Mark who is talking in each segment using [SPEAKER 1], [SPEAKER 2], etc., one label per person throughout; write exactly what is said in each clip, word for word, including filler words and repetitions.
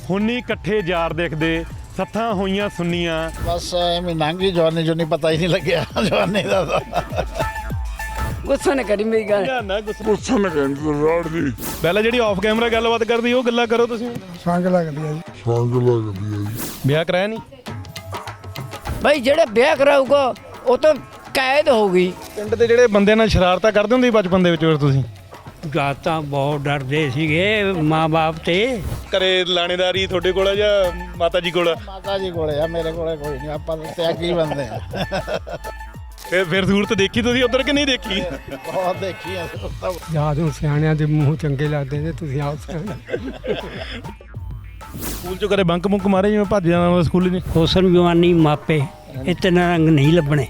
[SPEAKER 1] ਹੁਣੀ ਇਕੱਠੇ ਯਾਰ ਦੇਖਦੇ ਸੱਥਾਂ ਹੋਈਆਂ ਸੁੰਨੀਆਂ।
[SPEAKER 2] ਬਸ ਐਵੇਂ ਲੰਘੀ ਜਵਾਨੀ ਜੋ ਨਹੀਂ ਪਤਾ ਹੀ ਨਹੀਂ ਲੱਗਿਆ ਜਵਾਨੀ ਦਾ ਤਾਂ।
[SPEAKER 3] ਗੁੱਸਾ ਨਾ ਕਰੀ ਮੇਰੀ ਗੱਲ।
[SPEAKER 1] ਨਾ ਨਾ ਗੁੱਸਾ ਨਾ ਕਰ ਰੋੜ ਦੀ। ਪਹਿਲਾਂ ਜਿਹੜੀ ਆਫ ਕੈਮਰਾ ਗੱਲਬਾਤ ਕਰਦੀ ਉਹ ਗੱਲਾਂ ਕਰੋ ਤੁਸੀਂ।
[SPEAKER 4] ਸੰਗ ਲੱਗਦੀ ਆ ਜੀ।
[SPEAKER 5] ਸੰਗ ਲੱਗਦੀ ਆ ਜੀ।
[SPEAKER 1] ਵਿਆਹ ਕਰਾਇਆ ਨਹੀਂ
[SPEAKER 3] ਭਾਈ ਜਿਹੜਾ ਵਿਆਹ ਕਰਾਊਗਾ ਉਹ ਤਾਂ ਕੈਦ ਹੋ ਗਈ।
[SPEAKER 1] ਪਿੰਡ ਦੇ ਜਿਹੜੇ ਬੰਦਿਆਂ ਨਾਲ ਸ਼ਰਾਰਤਾਂ ਕਰਦੇ ਹੁੰਦੇ ਸੀ ਬਚਪਨ ਦੇ ਵਿੱਚ ਫਿਰ ਤੁਸੀਂ?
[SPEAKER 6] ਜਾਂ ਤਾਂ ਬਹੁਤ ਡਰਦੇ ਸੀਗੇ ਮਾਂ-ਬਾਪ ਤੇ।
[SPEAKER 1] ਘਰੇ ਲਾਣੇਦਾਰੀ ਤੁਹਾਡੇ ਕੋਲ ਆ ਜਾਂ ਮਾਤਾ ਜੀ ਕੋਲ?
[SPEAKER 2] ਮਾਤਾ ਜੀ ਕੋਲੇ ਆ, ਮੇਰੇ ਕੋਲੇ ਕੋਈ ਨਹੀਂ। ਆਪਾਂ ਤਾਂ ਤਿਆਗੀ ਬੰਦੇ ਆ।
[SPEAKER 1] ਫਿਰ ਫਿਰ ਸੂਰਤ ਦੇਖੀ ਤੁਸੀਂ ਉਧਰ ਕਿ ਨਹੀਂ ਦੇਖੀ?
[SPEAKER 2] ਬਹੁਤ ਦੇਖੀ ਆ।
[SPEAKER 4] ਯਾਦ ਨੂੰ ਸਿਆਣਿਆਂ ਦੇ ਮੂੰਹ ਚੰਗੇ ਲੱਗਦੇ ਨੇ, ਤੁਸੀਂ ਆਪ ਸਿਆਣੇ।
[SPEAKER 1] ਸਕੂਲ ਚੋਂ ਕਦੇ ਬੰਕ ਮੁੰਕ ਮਾਰੇ ਜਿਵੇਂ ਭੱਜ ਜਾਣਾ ਸਕੂਲ ਨੇ?
[SPEAKER 6] ਹੁਸਨ ਜਵਾਨੀ ਮਾਪੇ ਇਤਨਾ ਰੰਗ ਨਹੀਂ ਲੱਭਣੇ।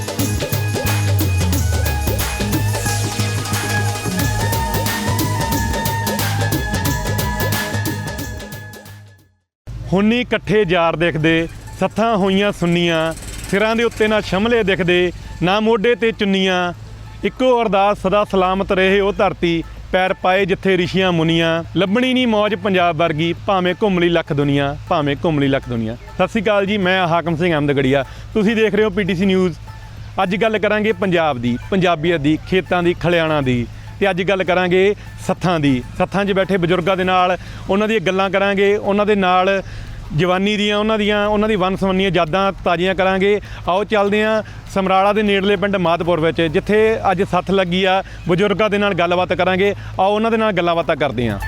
[SPEAKER 1] ਹੁਣੀ ਇਕੱਠੇ ਯਾਰ ਦੇਖਦੇ ਸੱਥਾਂ ਹੋਈਆਂ ਸੁੰਨੀਆਂ। ਸਿਰਾਂ ਦੇ ਉੱਤੇ ਨਾ ਸ਼ਮਲੇ ਦਿਖਦੇ ਨਾ ਮੋਢੇ ਤੇ ਚੁੰਨੀਆਂ। ਇੱਕੋ ਅਰਦਾਸ ਸਦਾ ਸਲਾਮਤ ਰਹੇ ਉਹ ਧਰਤੀ, ਪੈਰ ਪਾਏ ਜਿੱਥੇ ਰਿਸ਼ੀਆਂ ਮੁਨੀਆਂ। ਲੱਭਣੀ ਨਹੀਂ ਮੌਜ ਪੰਜਾਬ ਵਰਗੀ, ਭਾਵੇਂ ਘੁੰਮ ਲਈ ਲੱਖ ਦੁਨੀਆ, ਭਾਵੇਂ ਘੁੰਮ ਲਈ ਲੱਖ ਦੁਨੀਆ। ਸਤਿ ਸ਼੍ਰੀ ਅਕਾਲ ਜੀ, ਮੈਂ ਹਾਕਮ ਸਿੰਘ ਅਹਿਮਦਗੜੀਆ। ਤੁਸੀਂ ਦੇਖ ਰਹੇ ਹੋ ਪੀਟੀਸੀ ਨਿਊਜ਼। ਅੱਜ ਗੱਲ ਕਰਾਂਗੇ ਪੰਜਾਬ ਦੀ, ਪੰਜਾਬੀਅਤ ਦੀ, ਖੇਤਾਂ ਦੀ, ਖਲਿਆਣਾ ਦੀ, ਤੇ ਅੱਜ ਗੱਲ ਕਰਾਂਗੇ ਸੱਥਾਂ ਦੀ। ਸੱਥਾਂ 'ਚ ਬੈਠੇ ਬਜ਼ੁਰਗਾਂ ਦੇ ਨਾਲ ਉਹਨਾਂ ਦੀਆਂ ਗੱਲਾਂ ਕਰਾਂਗੇ, ਉਹਨਾਂ ਦੇ ਨਾਲ ਜਵਾਨੀ ਦੀਆਂ ਉਹਨਾਂ ਦੀਆਂ ਉਹਨਾਂ ਦੀ ਵੰਨ ਸੁਵੰਨੀਆਂ ਯਾਦਾਂ ਤਾਜ਼ੀਆਂ ਕਰਾਂਗੇ। ਆਓ ਚੱਲਦੇ ਹਾਂ ਸਮਰਾਲਾ ਦੇ ਨੇੜਲੇ ਪਿੰਡ ਮਾਧਪੁਰ ਵਿੱਚ, ਜਿੱਥੇ ਅੱਜ ਸੱਥ ਲੱਗੀ ਆ। ਬਜ਼ੁਰਗਾਂ ਦੇ ਨਾਲ ਗੱਲਬਾਤ ਕਰਾਂਗੇ, ਆਓ ਉਹਨਾਂ ਦੇ ਨਾਲ ਗੱਲਾਂ ਬਾਤਾਂ ਕਰਦੇ ਹਾਂ।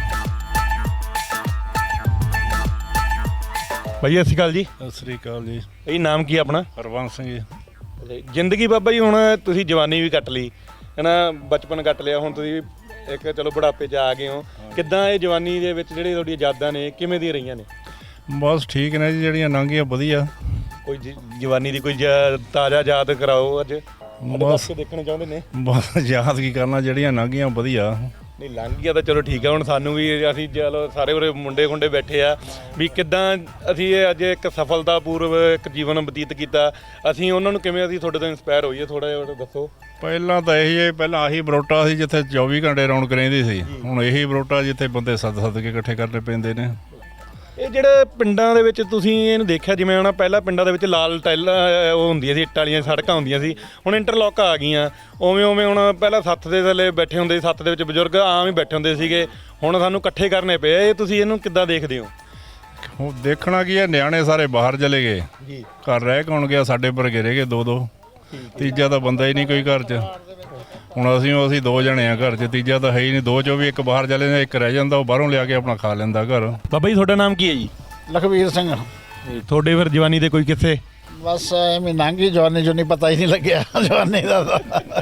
[SPEAKER 1] ਭਾਈ ਸਤਿ ਸ਼੍ਰੀ ਅਕਾਲ ਜੀ।
[SPEAKER 7] ਸਤਿ ਸ੍ਰੀ ਅਕਾਲ ਜੀ।
[SPEAKER 1] ਇਹ ਨਾਮ ਕੀ ਆਪਣਾ?
[SPEAKER 7] ਹਰਬੰਸ ਸਿੰਘ ਜੀ।
[SPEAKER 1] ਜ਼ਿੰਦਗੀ ਬਾਬਾ ਜੀ ਹੁਣ ਤੁਸੀਂ ਜਵਾਨੀ ਵੀ ਕੱਟ ਲਈ ਹੈ ਨਾ, ਬਚਪਨ ਕੱਟ ਲਿਆ, ਹੁਣ ਤੁਸੀਂ ਇੱਕ ਚਲੋ ਬੁਢਾਪੇ 'ਚ ਆ ਗਏ ਹੋ। ਕਿੱਦਾਂ ਇਹ ਜਵਾਨੀ ਦੇ ਵਿੱਚ ਜਿਹੜੇ ਤੁਹਾਡੀਆਂ ਯਾਦਾਂ ਨੇ ਕਿਵੇਂ ਦੀਆਂ ਰਹੀਆਂ ਨੇ?
[SPEAKER 7] ਬਸ ਠੀਕ ਨੇ ਜੀ, ਜਿਹੜੀਆਂ ਲੰਘੀਆਂ ਵਧੀਆ।
[SPEAKER 1] ਕੋਈ ਜ- ਜਵਾਨੀ ਦੀ ਕੋਈ ਜ- ਤਾਜ਼ਾ ਯਾਦ ਕਰਾਓ ਅੱਜ।
[SPEAKER 7] ਬਸ
[SPEAKER 1] ਦੇਖਣੇ ਚਾਹੁੰਦੇ ਨੇ।
[SPEAKER 7] ਬਸ ਯਾਦ ਕੀ ਕਰਨਾ, ਜਿਹੜੀਆਂ ਲੰਘੀਆਂ ਵਧੀਆ।
[SPEAKER 1] ਨਹੀਂ ਲੰਘ ਗਿਆ ਤਾਂ ਚਲੋ ਠੀਕ ਆ। ਹੁਣ ਸਾਨੂੰ ਵੀ ਅਸੀਂ ਚਲੋ ਸਾਰੇ ਉਰੇ ਮੁੰਡੇ ਖੁੰਡੇ ਬੈਠੇ ਆ ਵੀ ਕਿੱਦਾਂ ਅਸੀਂ ਇਹ ਅੱਜ ਇੱਕ ਸਫਲਤਾਪੂਰਵ ਇੱਕ ਜੀਵਨ ਬਤੀਤ ਕੀਤਾ। ਅਸੀਂ ਉਹਨਾਂ ਨੂੰ ਕਿਵੇਂ ਅਸੀਂ ਤੁਹਾਡੇ ਤੋਂ ਇੰਸਪਾਇਰ ਹੋਈਏ, ਥੋੜਾ ਜਿਹਾ ਦੱਸੋ।
[SPEAKER 7] ਪਹਿਲਾਂ ਤਾਂ ਇਹੀ ਹੈ, ਪਹਿਲਾਂ ਆਹੀ ਬਰੋਟਾ ਸੀ ਜਿੱਥੇ ਚੌਵੀ ਘੰਟੇ ਰੌਣਕ ਰਹਿੰਦੀ ਸੀ। ਹੁਣ ਇਹੀ ਬਰੋਟਾ ਜਿੱਥੇ ਬੰਦੇ ਸੱਦ ਸੱਦ ਕੇ ਇਕੱਠੇ ਕਰਨੇ ਪੈਂਦੇ ਨੇ।
[SPEAKER 1] ਇਹ ਜਿਹੜੇ ਪਿੰਡਾਂ ਦੇ ਵਿੱਚ ਤੁਸੀਂ ਇਹਨੂੰ ਦੇਖਿਆ, ਜਿਵੇਂ ਹੁਣ ਪਹਿਲਾਂ ਪਿੰਡਾਂ ਦੇ ਵਿੱਚ ਲਾਲ ਟਾਈਲਾਂ ਉਹ ਹੁੰਦੀਆਂ ਸੀ, ਇੱਟ ਵਾਲੀਆਂ ਸੜਕਾਂ ਹੁੰਦੀਆਂ ਸੀ, ਹੁਣ ਇੰਟਰਲੋਕ ਆ ਗਈਆਂ। ਉਵੇਂ ਉਵੇਂ ਹੁਣ ਪਹਿਲਾਂ ਸੱਥ ਦੇ ਥੱਲੇ ਬੈਠੇ ਹੁੰਦੇ ਸੀ, ਸੱਥ ਦੇ ਵਿੱਚ ਬਜ਼ੁਰਗ ਆਮ ਹੀ ਬੈਠੇ ਹੁੰਦੇ ਸੀਗੇ, ਹੁਣ ਸਾਨੂੰ ਇਕੱਠੇ ਕਰਨੇ ਪਏ। ਇਹ ਤੁਸੀਂ ਇਹਨੂੰ ਕਿੱਦਾਂ ਦੇਖਦੇ ਹੋ?
[SPEAKER 7] ਹੁਣ ਦੇਖਣਾ ਕੀ ਹੈ, ਨਿਆਣੇ ਸਾਰੇ ਬਾਹਰ ਚਲੇ ਗਏ,
[SPEAKER 1] ਜੀ
[SPEAKER 7] ਘਰ ਰਹਿ ਕੌਣ ਗਿਆ? ਸਾਡੇ ਵਰਗੇ ਰਹਿ ਗਏ ਦੋ ਦੋ, ਤੀਜਾ ਤਾਂ ਬੰਦਾ ਹੀ ਨਹੀਂ ਕੋਈ ਘਰ 'ਚ। ਹੁਣ ਅਸੀਂ ਅਸੀਂ ਦੋ ਜਣੇ ਆ ਘਰ 'ਚ, ਤੀਜਾ ਤਾਂ ਹੈ ਹੀ ਨਹੀਂ। ਦੋ 'ਚੋਂ ਵੀ ਇੱਕ ਬਾਹਰ ਚਲੇ ਜਾਂਦਾ, ਇੱਕ ਰਹਿ ਜਾਂਦਾ, ਉਹ ਬਾਹਰੋਂ ਲਿਆ ਕੇ ਆਪਣਾ ਖਾ ਲੈਂਦਾ ਘਰ।
[SPEAKER 1] ਬਾਬਾ ਜੀ ਤੁਹਾਡਾ ਨਾਮ ਕੀ ਹੈ ਜੀ?
[SPEAKER 2] ਲਖਵੀਰ ਸਿੰਘ।
[SPEAKER 1] ਤੁਹਾਡੇ ਫਿਰ ਜਵਾਨੀ ਦੇ ਕੋਈ ਕਿੱਸੇ?
[SPEAKER 2] ਬਸ ਐਵੇਂ ਲੰਘੀ ਜਵਾਨੀ ਜੋ ਨਹੀਂ ਪਤਾ ਹੀ ਨਹੀਂ ਲੱਗਿਆ ਜਵਾਨੀ ਦਾ ਤਾਂ।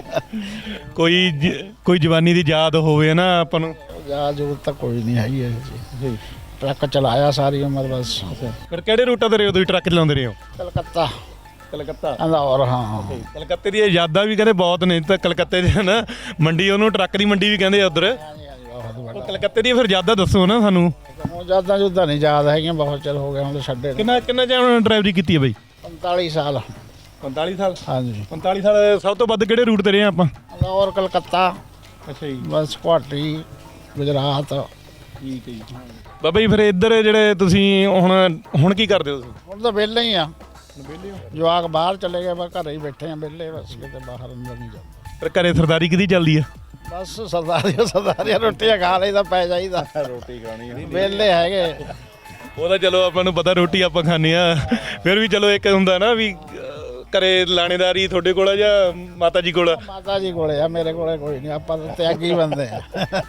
[SPEAKER 1] ਕੋਈ ਜ- ਕੋਈ ਜਵਾਨੀ ਦੀ ਯਾਦ ਹੋਵੇ ਨਾ ਆਪਾਂ ਨੂੰ?
[SPEAKER 2] ਯਾਦ ਜੂਦ ਤਾਂ ਕੋਈ ਨਹੀਂ ਹੈਗੀ ਹੈ ਜੀ। ਟਰੱਕ ਚਲਾਇਆ ਸਾਰੀ ਉਮਰ ਬਸ।
[SPEAKER 1] ਫਿਰ ਕਿਹੜੇ ਰੂਟਾਂ ਤੇ ਰਹੇ ਹੋ ਤੁਸੀਂ, ਟਰੱਕ ਚਲਾਉਂਦੇ ਰਹੇ ਹੋ?
[SPEAKER 2] ਕਲਕੱਤਾ,
[SPEAKER 1] ਕਲਕੱਤਾ।
[SPEAKER 2] ਲਾਹੌਰ। ਹਾਂ
[SPEAKER 1] ਕਲਕੱਤੇ ਦੀਆਂ ਯਾਦਾਂ ਵੀ ਕਹਿੰਦੇ ਬਹੁਤ ਨੇ। ਤਾਂ ਕਲਕੱਤੇ ਦੇ ਨਾ ਮੰਡੀ, ਉਹਨੂੰ ਟਰੱਕ ਦੀ ਮੰਡੀ ਵੀ ਕਹਿੰਦੇ ਆ ਉੱਧਰ। ਉਹ ਕਲਕੱਤੇ ਦੀਆਂ ਫਿਰ ਯਾਦਾਂ ਦੱਸੋ ਨਾ ਸਾਨੂੰ।
[SPEAKER 2] ਹੁਣ ਯਾਦਾਂ ਜੁਦਾਂ ਨਹੀਂ ਯਾਦ ਹੈਗੀਆਂ, ਬਹੁਤ ਚਿਰ ਹੋ ਗਿਆ ਹੁਣ ਛੱਡੇ।
[SPEAKER 1] ਕਿੰਨਾ ਕਿੰਨਾ ਚਿਰ ਡਰਾਈਵਰੀ ਕੀਤੀ ਹੈ ਬਾਈ?
[SPEAKER 2] ਪੰਤਾਲੀ ਸਾਲ।
[SPEAKER 1] ਪੰਤਾਲੀ ਸਾਲ?
[SPEAKER 2] ਹਾਂਜੀ
[SPEAKER 1] ਪੰਤਾਲੀ ਸਾਲ। ਸਭ ਤੋਂ ਵੱਧ ਕਿਹੜੇ ਰੂਟ ਤੇ ਰਹੇ ਆਪਾਂ?
[SPEAKER 2] ਲਾਹੌਰ, ਕਲਕੱਤਾ,
[SPEAKER 1] ਅੱਛਾ ਜੀ।
[SPEAKER 2] ਬਸ ਗੁਹਾਟੀ, ਗੁਜਰਾਤ।
[SPEAKER 1] ਠੀਕ ਹੈ ਜੀ। ਬਾਬਾ ਜੀ ਫਿਰ ਇੱਧਰ ਜਿਹੜੇ ਤੁਸੀਂ ਹੁਣ ਹੁਣ ਕੀ ਕਰਦੇ ਹੋ ਤੁਸੀਂ?
[SPEAKER 2] ਹੁਣ ਤਾਂ ਵਿਹਲੇ ਹੀ ਆ। ਜਵਾਕ ਬਾਹਰ ਚਲੇ ਗਏ, ਬਸ ਘਰੇ ਹੀ ਬੈਠੇ ਆ ਵਿਹਲੇ, ਬਸ ਕਿਤੇ ਬਾਹਰ ਅੰਦਰ ਨਹੀਂ ਜਾਂਦਾ।
[SPEAKER 1] ਫਿਰ ਘਰੇ ਸਰਦਾਰੀ ਕਿਹਦੀ ਚੱਲਦੀ ਆ?
[SPEAKER 2] ਬਸ ਸਰਦਾਰੀਆਂ ਸਰਦਾਰੀਆਂ ਰੋਟੀਆਂ ਖਾ ਲਈਦਾ, ਪੈ ਜਾਈਦਾ।
[SPEAKER 7] ਰੋਟੀ ਖਾਣੀ
[SPEAKER 2] ਵਿਹਲੇ ਹੈਗੇ।
[SPEAKER 1] ਉਹਦਾ ਚਲੋ ਆਪਾਂ ਨੂੰ ਪਤਾ ਰੋਟੀ ਆਪਾਂ ਖਾਂਦੇ ਆ, ਫਿਰ ਵੀ ਚਲੋ ਇੱਕ ਹੁੰਦਾ ਨਾ ਵੀ ਅਹ, ਘਰੇ ਲਾਣੇਦਾਰੀ ਤੁਹਾਡੇ ਕੋਲ ਆ ਜਾਂ ਮਾਤਾ ਜੀ ਕੋਲ?
[SPEAKER 2] ਮਾਤਾ ਜੀ ਕੋਲੇ ਆ, ਮੇਰੇ ਕੋਲੇ ਕੋਈ ਨਹੀਂ। ਆਪਾਂ ਤਾਂ ਤਿਆਗੀ ਬੰਦੇ ਆ।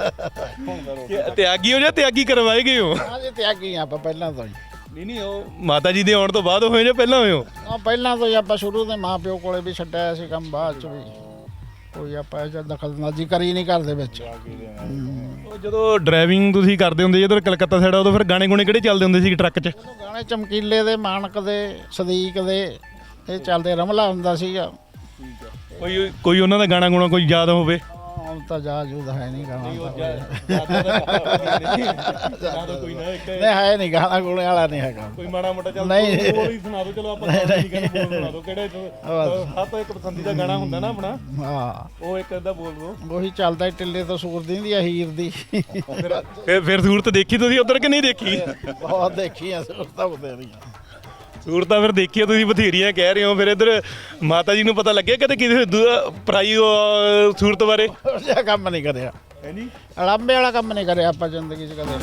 [SPEAKER 1] ਤਿਆਗੀ ਹੋ ਜਾਂ ਤਿਆਗੀ ਕਰਵਾਏ ਗਏ ਹੋ?
[SPEAKER 2] ਹਾਂਜੀ ਤਿਆਗੀ ਆ ਆਪਾਂ ਪਹਿਲਾਂ ਤੋਂ ਹੀ।
[SPEAKER 1] ਨਹੀਂ ਨਹੀਂ, ਉਹ ਮਾਤਾ ਜੀ ਦੇ ਆਉਣ ਤੋਂ ਬਾਅਦ ਹੋਏ ਜਾਂ ਪਹਿਲਾਂ ਹੋਏ ਹੋ?
[SPEAKER 2] ਆ ਪਹਿਲਾਂ ਤੋਂ ਹੀ ਆਪਾਂ ਸ਼ੁਰੂ ਤੋਂ ਮਾਂ ਪਿਓ ਕੋਲੇ ਵੀ ਛੱਡਿਆ ਸੀ ਕੰਮ, ਬਾਅਦ ਚ ਵੀ ਕੋਈ ਆਪਾਂ ਇਹ 'ਚ ਦਖਲਅੰਦਾਜ਼ੀ ਕਰੀ ਨਹੀਂ ਘਰ ਦੇ ਵਿੱਚ।
[SPEAKER 1] ਉਹ ਜਦੋਂ ਡਰਾਈਵਿੰਗ ਤੁਸੀਂ ਕਰਦੇ ਹੁੰਦੇ ਜਦੋਂ ਕਲਕੱਤਾ ਸਾਈਡ, ਉਦੋਂ ਫਿਰ ਗਾਣੇ ਗੁਣੇ ਕਿਹੜੇ ਚੱਲਦੇ ਹੁੰਦੇ ਸੀ ਟਰੱਕ 'ਚ?
[SPEAKER 2] ਗਾਣੇ ਚਮਕੀਲੇ ਦੇ, ਮਾਨਕ ਦੇ, ਸਦੀਕ ਦੇ, ਇਹ ਚੱਲਦੇ। ਰਮਲਾ ਹੁੰਦਾ ਸੀਗਾ।
[SPEAKER 1] ਕੋਈ ਕੋਈ ਉਹਨਾਂ ਦਾ ਗਾਣਾ ਗੁਣਾ ਕੋਈ ਯਾਦ ਹੋਵੇ?
[SPEAKER 2] ਹੁਣ ਤਾਂ ਜਾ ਜੂਦ ਹੈ ਨਹੀਂ ਗਾਣਾ
[SPEAKER 1] ਕੋਈ ਨਾ ਇੱਕ
[SPEAKER 2] ਨਹੀਂ ਹੈ ਨਹੀਂ ਗਾਣਾ ਗੋਲੇ ਵਾਲਾ ਨਹੀਂ ਹੈਗਾ
[SPEAKER 1] ਕੋਈ ਮਾੜਾ ਮੋਟਾ ਚੱਲ
[SPEAKER 2] ਨਹੀਂ।
[SPEAKER 1] ਬੋਲ ਹੀ ਸੁਣਾ ਦਿਓ ਚਲੋ ਆਪਾਂ ਨਹੀਂ ਕਹਿੰਦੇ ਬੋਲ ਸੁਣਾ ਦਿਓ ਕਿਹੜੇ ਹੱਥ ਇੱਕ ਪਸੰਦੀਦਾ ਗਾਣਾ ਹੁੰਦਾ ਨਾ ਆਪਣਾ
[SPEAKER 2] ਹਾਂ
[SPEAKER 1] ਉਹ ਇੱਕ ਅੱਧਾ ਬੋਲ ਦਿਓ
[SPEAKER 2] ਉਹੀ ਚੱਲਦਾ ਟਿੱਲੇ ਤੋਂ ਸੂਰ ਦਿੰਦੀ ਆ ਹੀਰ ਦੀ
[SPEAKER 1] ਫਿਰ ਫਿਰ ਸੂਰਤ ਦੇਖੀ ਤੁਸੀਂ ਉਧਰ ਕਿ ਨਹੀਂ ਦੇਖੀ
[SPEAKER 2] ਬਹੁਤ ਦੇਖੀ ਆ ਸੂਰਤਾਂ ਬਥੇਰੀਆਂ
[SPEAKER 1] ਸੂਰਤਾਂ ਫਿਰ ਦੇਖੀਆਂ ਤੁਸੀਂ ਬਥੇਰੀਆਂ ਕਹਿ ਰਹੇ ਹੋ ਫਿਰ ਇੱਧਰ ਮਾਤਾ ਜੀ ਨੂੰ ਪਤਾ ਲੱਗਿਆ ਕਦੇ ਕਿਸੇ ਦੂ- ਪਰਾਈ ਉਹ ਸੂਰਤ ਬਾਰੇ
[SPEAKER 2] ਉਹ ਜਿਹਾ ਕੰਮ ਨਹੀਂ ਕਰਿਆ
[SPEAKER 1] ਹੈ ਜੀ
[SPEAKER 2] ਅੜੰਬੇ ਵਾਲਾ ਕੰਮ ਨਹੀਂ ਕਰਿਆ ਆਪਾਂ ਜ਼ਿੰਦਗੀ 'ਚ ਕਦੇ